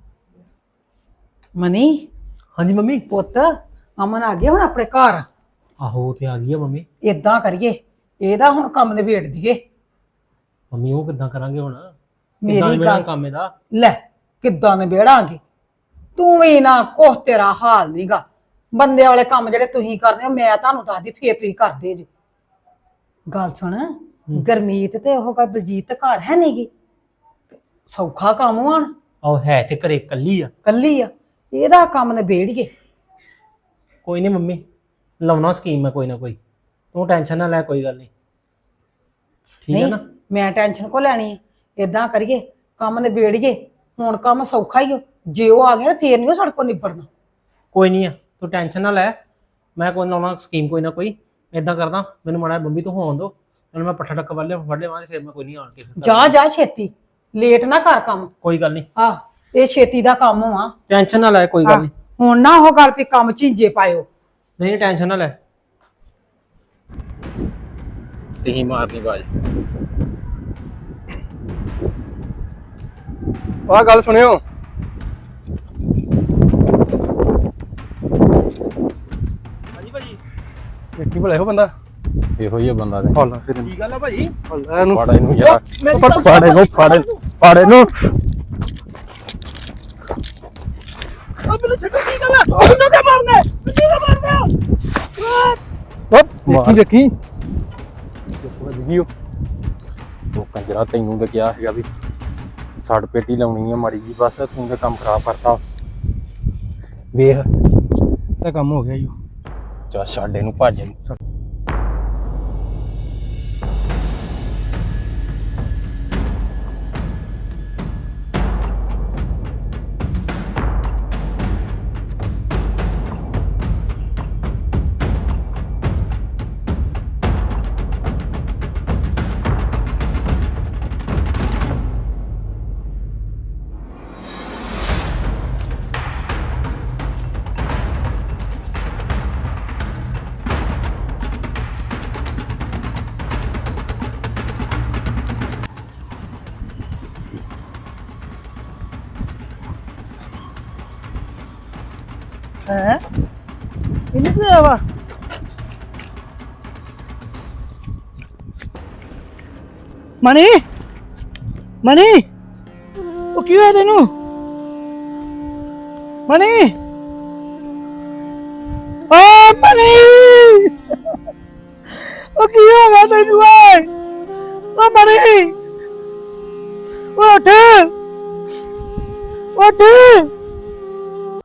ਮਨੀ
ਹਾਂਜੀ ਮੰਮੀ।
ਪੁੱਤ ਅਮਨ ਆ ਗਿਆ ਹੁਣ ਆਪਣੇ ਘਰ।
ਆਹੋ ਤੇ ਆ ਗਈ ਆ ਮੰਮੀ।
ਏਦਾਂ ਕਰੀਏ, ਇਹਦਾ ਹੁਣ ਕੰਮ ਨਿਬੇੜ ਦਈਏ।
ਮੰਮੀ ਉਹ ਕਿੱਦਾਂ ਕਰਾਂਗੇ ਹੁਣ?
ਮੇਰੀ
ਕਿੱਦਾਂ ਮੇਰਾ
ਗੱਲ-
ਕੰਮ ਇਹਦਾ?
ਲੈ ਕਿੱਦਾਂ ਨਿਬੇੜਾਂਗੇ? ਤੂੰ ਵੀ ਨਾ ਕੁਛ ਤੇਰਾ ਹਾਲ ਨਹੀਂਗਾ। ਬੰਦੇ ਵਾਲੇ ਕੰਮ ਜਿਹੜੇ ਤੁਸੀਂ ਕਰਦੇ ਹੋ ਮੈਂ ਤੁਹਾਨੂੰ ਦੱਸਦੀ, ਫੇਰ ਤੁਸੀਂ ਕਰਦੇ ਜੇ। ਗੱਲ ਸੁਣ, ਗਰਮੀਤ ਤੇ ਉਹ ਬਲਜੀਤ ਘਰ ਹੈ ਨਹੀਂਗੀ। ਸੌਖਾ ਕੰਮ ਆਣ,
ਆਹ ਹੈ ਤੇ ਘਰੇ ਇਕੱਲੀ ਆ।
ਕੱਲੀ ਆ। ਇਹਦਾ ਕੰਮ ਨਿਬੇੜੀਏ।
ਕੋਈ ਨਹੀਂ ਮੰਮੀ, ਲਾਉਣਾ ਸਕੀਮ ਹੈ ਕੋਈ ਨਾ ਕੋਈ। ਤੂੰ ਟੈਨਸ਼ਨ ਨਾ ਲੈ, ਕੋਈ ਗੱਲ ਨਹੀਂ। ਠੀਕ ਹੈ
ਨਹੀਂ
ਨਾ?
ਮੈਂ ਟੈਨਸ਼ਨ ਕੋ ਲੈਣੀ ਹੈ? ਏਦਾਂ ਕਰੀਏ ਕੰਮ ਨਿਬੇੜੀਏ। ਹੁਣ ਕੰਮ ਸੌਖਾ ਹੀ ਹੋ। ਜੇ ਉਹ ਆ ਗਿਆ ਫੇਰ ਨਹੀਂ ਉਹ ਸਾਡੇ ਕੋਲ ਨਿਬੜਨਾ।
ਕੋਈ ਨਹੀਂ ਆ, ਤੂੰ ਟੈਨਸ਼ਨ ਨਾ ਲੈ। ਮੈਂ ਕੋਈ ਲਾਉਣਾ ਸਕੀਮ ਕੋਈ ਨਾ ਕੋਈ। ਇਦਾਂ ਕਰਦਾ, ਮੈਨੂੰ ਮਾੜਾ ਬੰਬੀ ਤੋਂ ਹੋਣ ਦੋ, ਨਾਲ ਮੈਂ ਪੱਠਾ ਟੱਕ ਵੱਲ ਵੱਡੇ ਵਾਂ ਤੇ ਫਿਰ ਮੈਂ ਕੋਈ ਨਹੀਂ ਆਣ ਕੇ ਫਿਰ
ਜਾ ਜਾ ਛੇਤੀ, ਲੇਟ ਨਾ ਕਰ ਕੰਮ।
ਕੋਈ ਗੱਲ ਨਹੀਂ,
ਆਹ ਇਹ ਛੇਤੀ ਦਾ ਕੰਮ ਆ।
ਟੈਨਸ਼ਨ ਨਾ ਲੈ, ਕੋਈ ਗੱਲ ਨਹੀਂ।
ਹੁਣ ਨਾ ਉਹ ਗੱਲ ਵੀ ਕੰਮ ਝਿੰਜੇ ਪਾਇਓ।
ਨਹੀਂ ਟੈਨਸ਼ਨ ਨਾ ਲੈ। ਤਹੀਂ ਮਾਰਨੀ ਬਾਜ।
ਆਹ ਗੱਲ ਸੁਣਿਓ,
ਹਾਂਜੀ ਭਾਜੀ।
ਇੱਕ
ਵੇਖੀ ਭਲੇ ਹੋ ਬੰਦਾ
ਇਹੋ ਹੀ ਆ ਬੰਦਾ ਤੇ
ਫੜ ਲੈ ਫਿਰ
ਕੀ ਗੱਲ ਆ ਭਾਜੀ
ਇਹਨੂੰ
ਫੜ ਇਹਨੂੰ ਯਾਰ
ਫਾੜੇ ਨੂੰ ਫਾੜੇ ਨੂੰ
ਮੈਨੂੰ ਛੱਡੋ ਕੀ ਗੱਲ ਆ ਮੈਨੂੰ ਤੇ ਮਾਰਨਾ
ਦੇਖੀ ਦੇਖੀ
ਉਹ ਕੰਜਰਾ ਤੈਨੂੰ ਤਾਂ ਕਿਹਾ ਸੀਗਾ ਵੀ ਸੜ ਪੇਟੀ ਲਾਉਣੀ ਆ ਮਾੜੀ ਜੀ ਬਸ ਤੂੰ ਤਾਂ ਕੰਮ ਖਰਾਬ ਕਰਤਾ ਵੇਖ
ਤਾਂ ਕੰਮ ਹੋ ਗਿਆ ਈ
ਚਾ ਛੱਡ ਇਹਨੂੰ ਭੱਜ ਇਹਨੂੰ
ਹੈ ਇਹਨੂੰ ਕੀ ਆਵਾ ਮਣੀ ਮਣੀ ਉਹ ਕੀ ਹੋਇਆ ਤੈਨੂੰ ਮਣੀ ਓ ਮਣੀ ਉਹ ਕੀ ਹੋ ਗਿਆ ਤੈਨੂੰ ਓਏ ਓ ਮਣੀ ਉੱਠ ਉੱਠ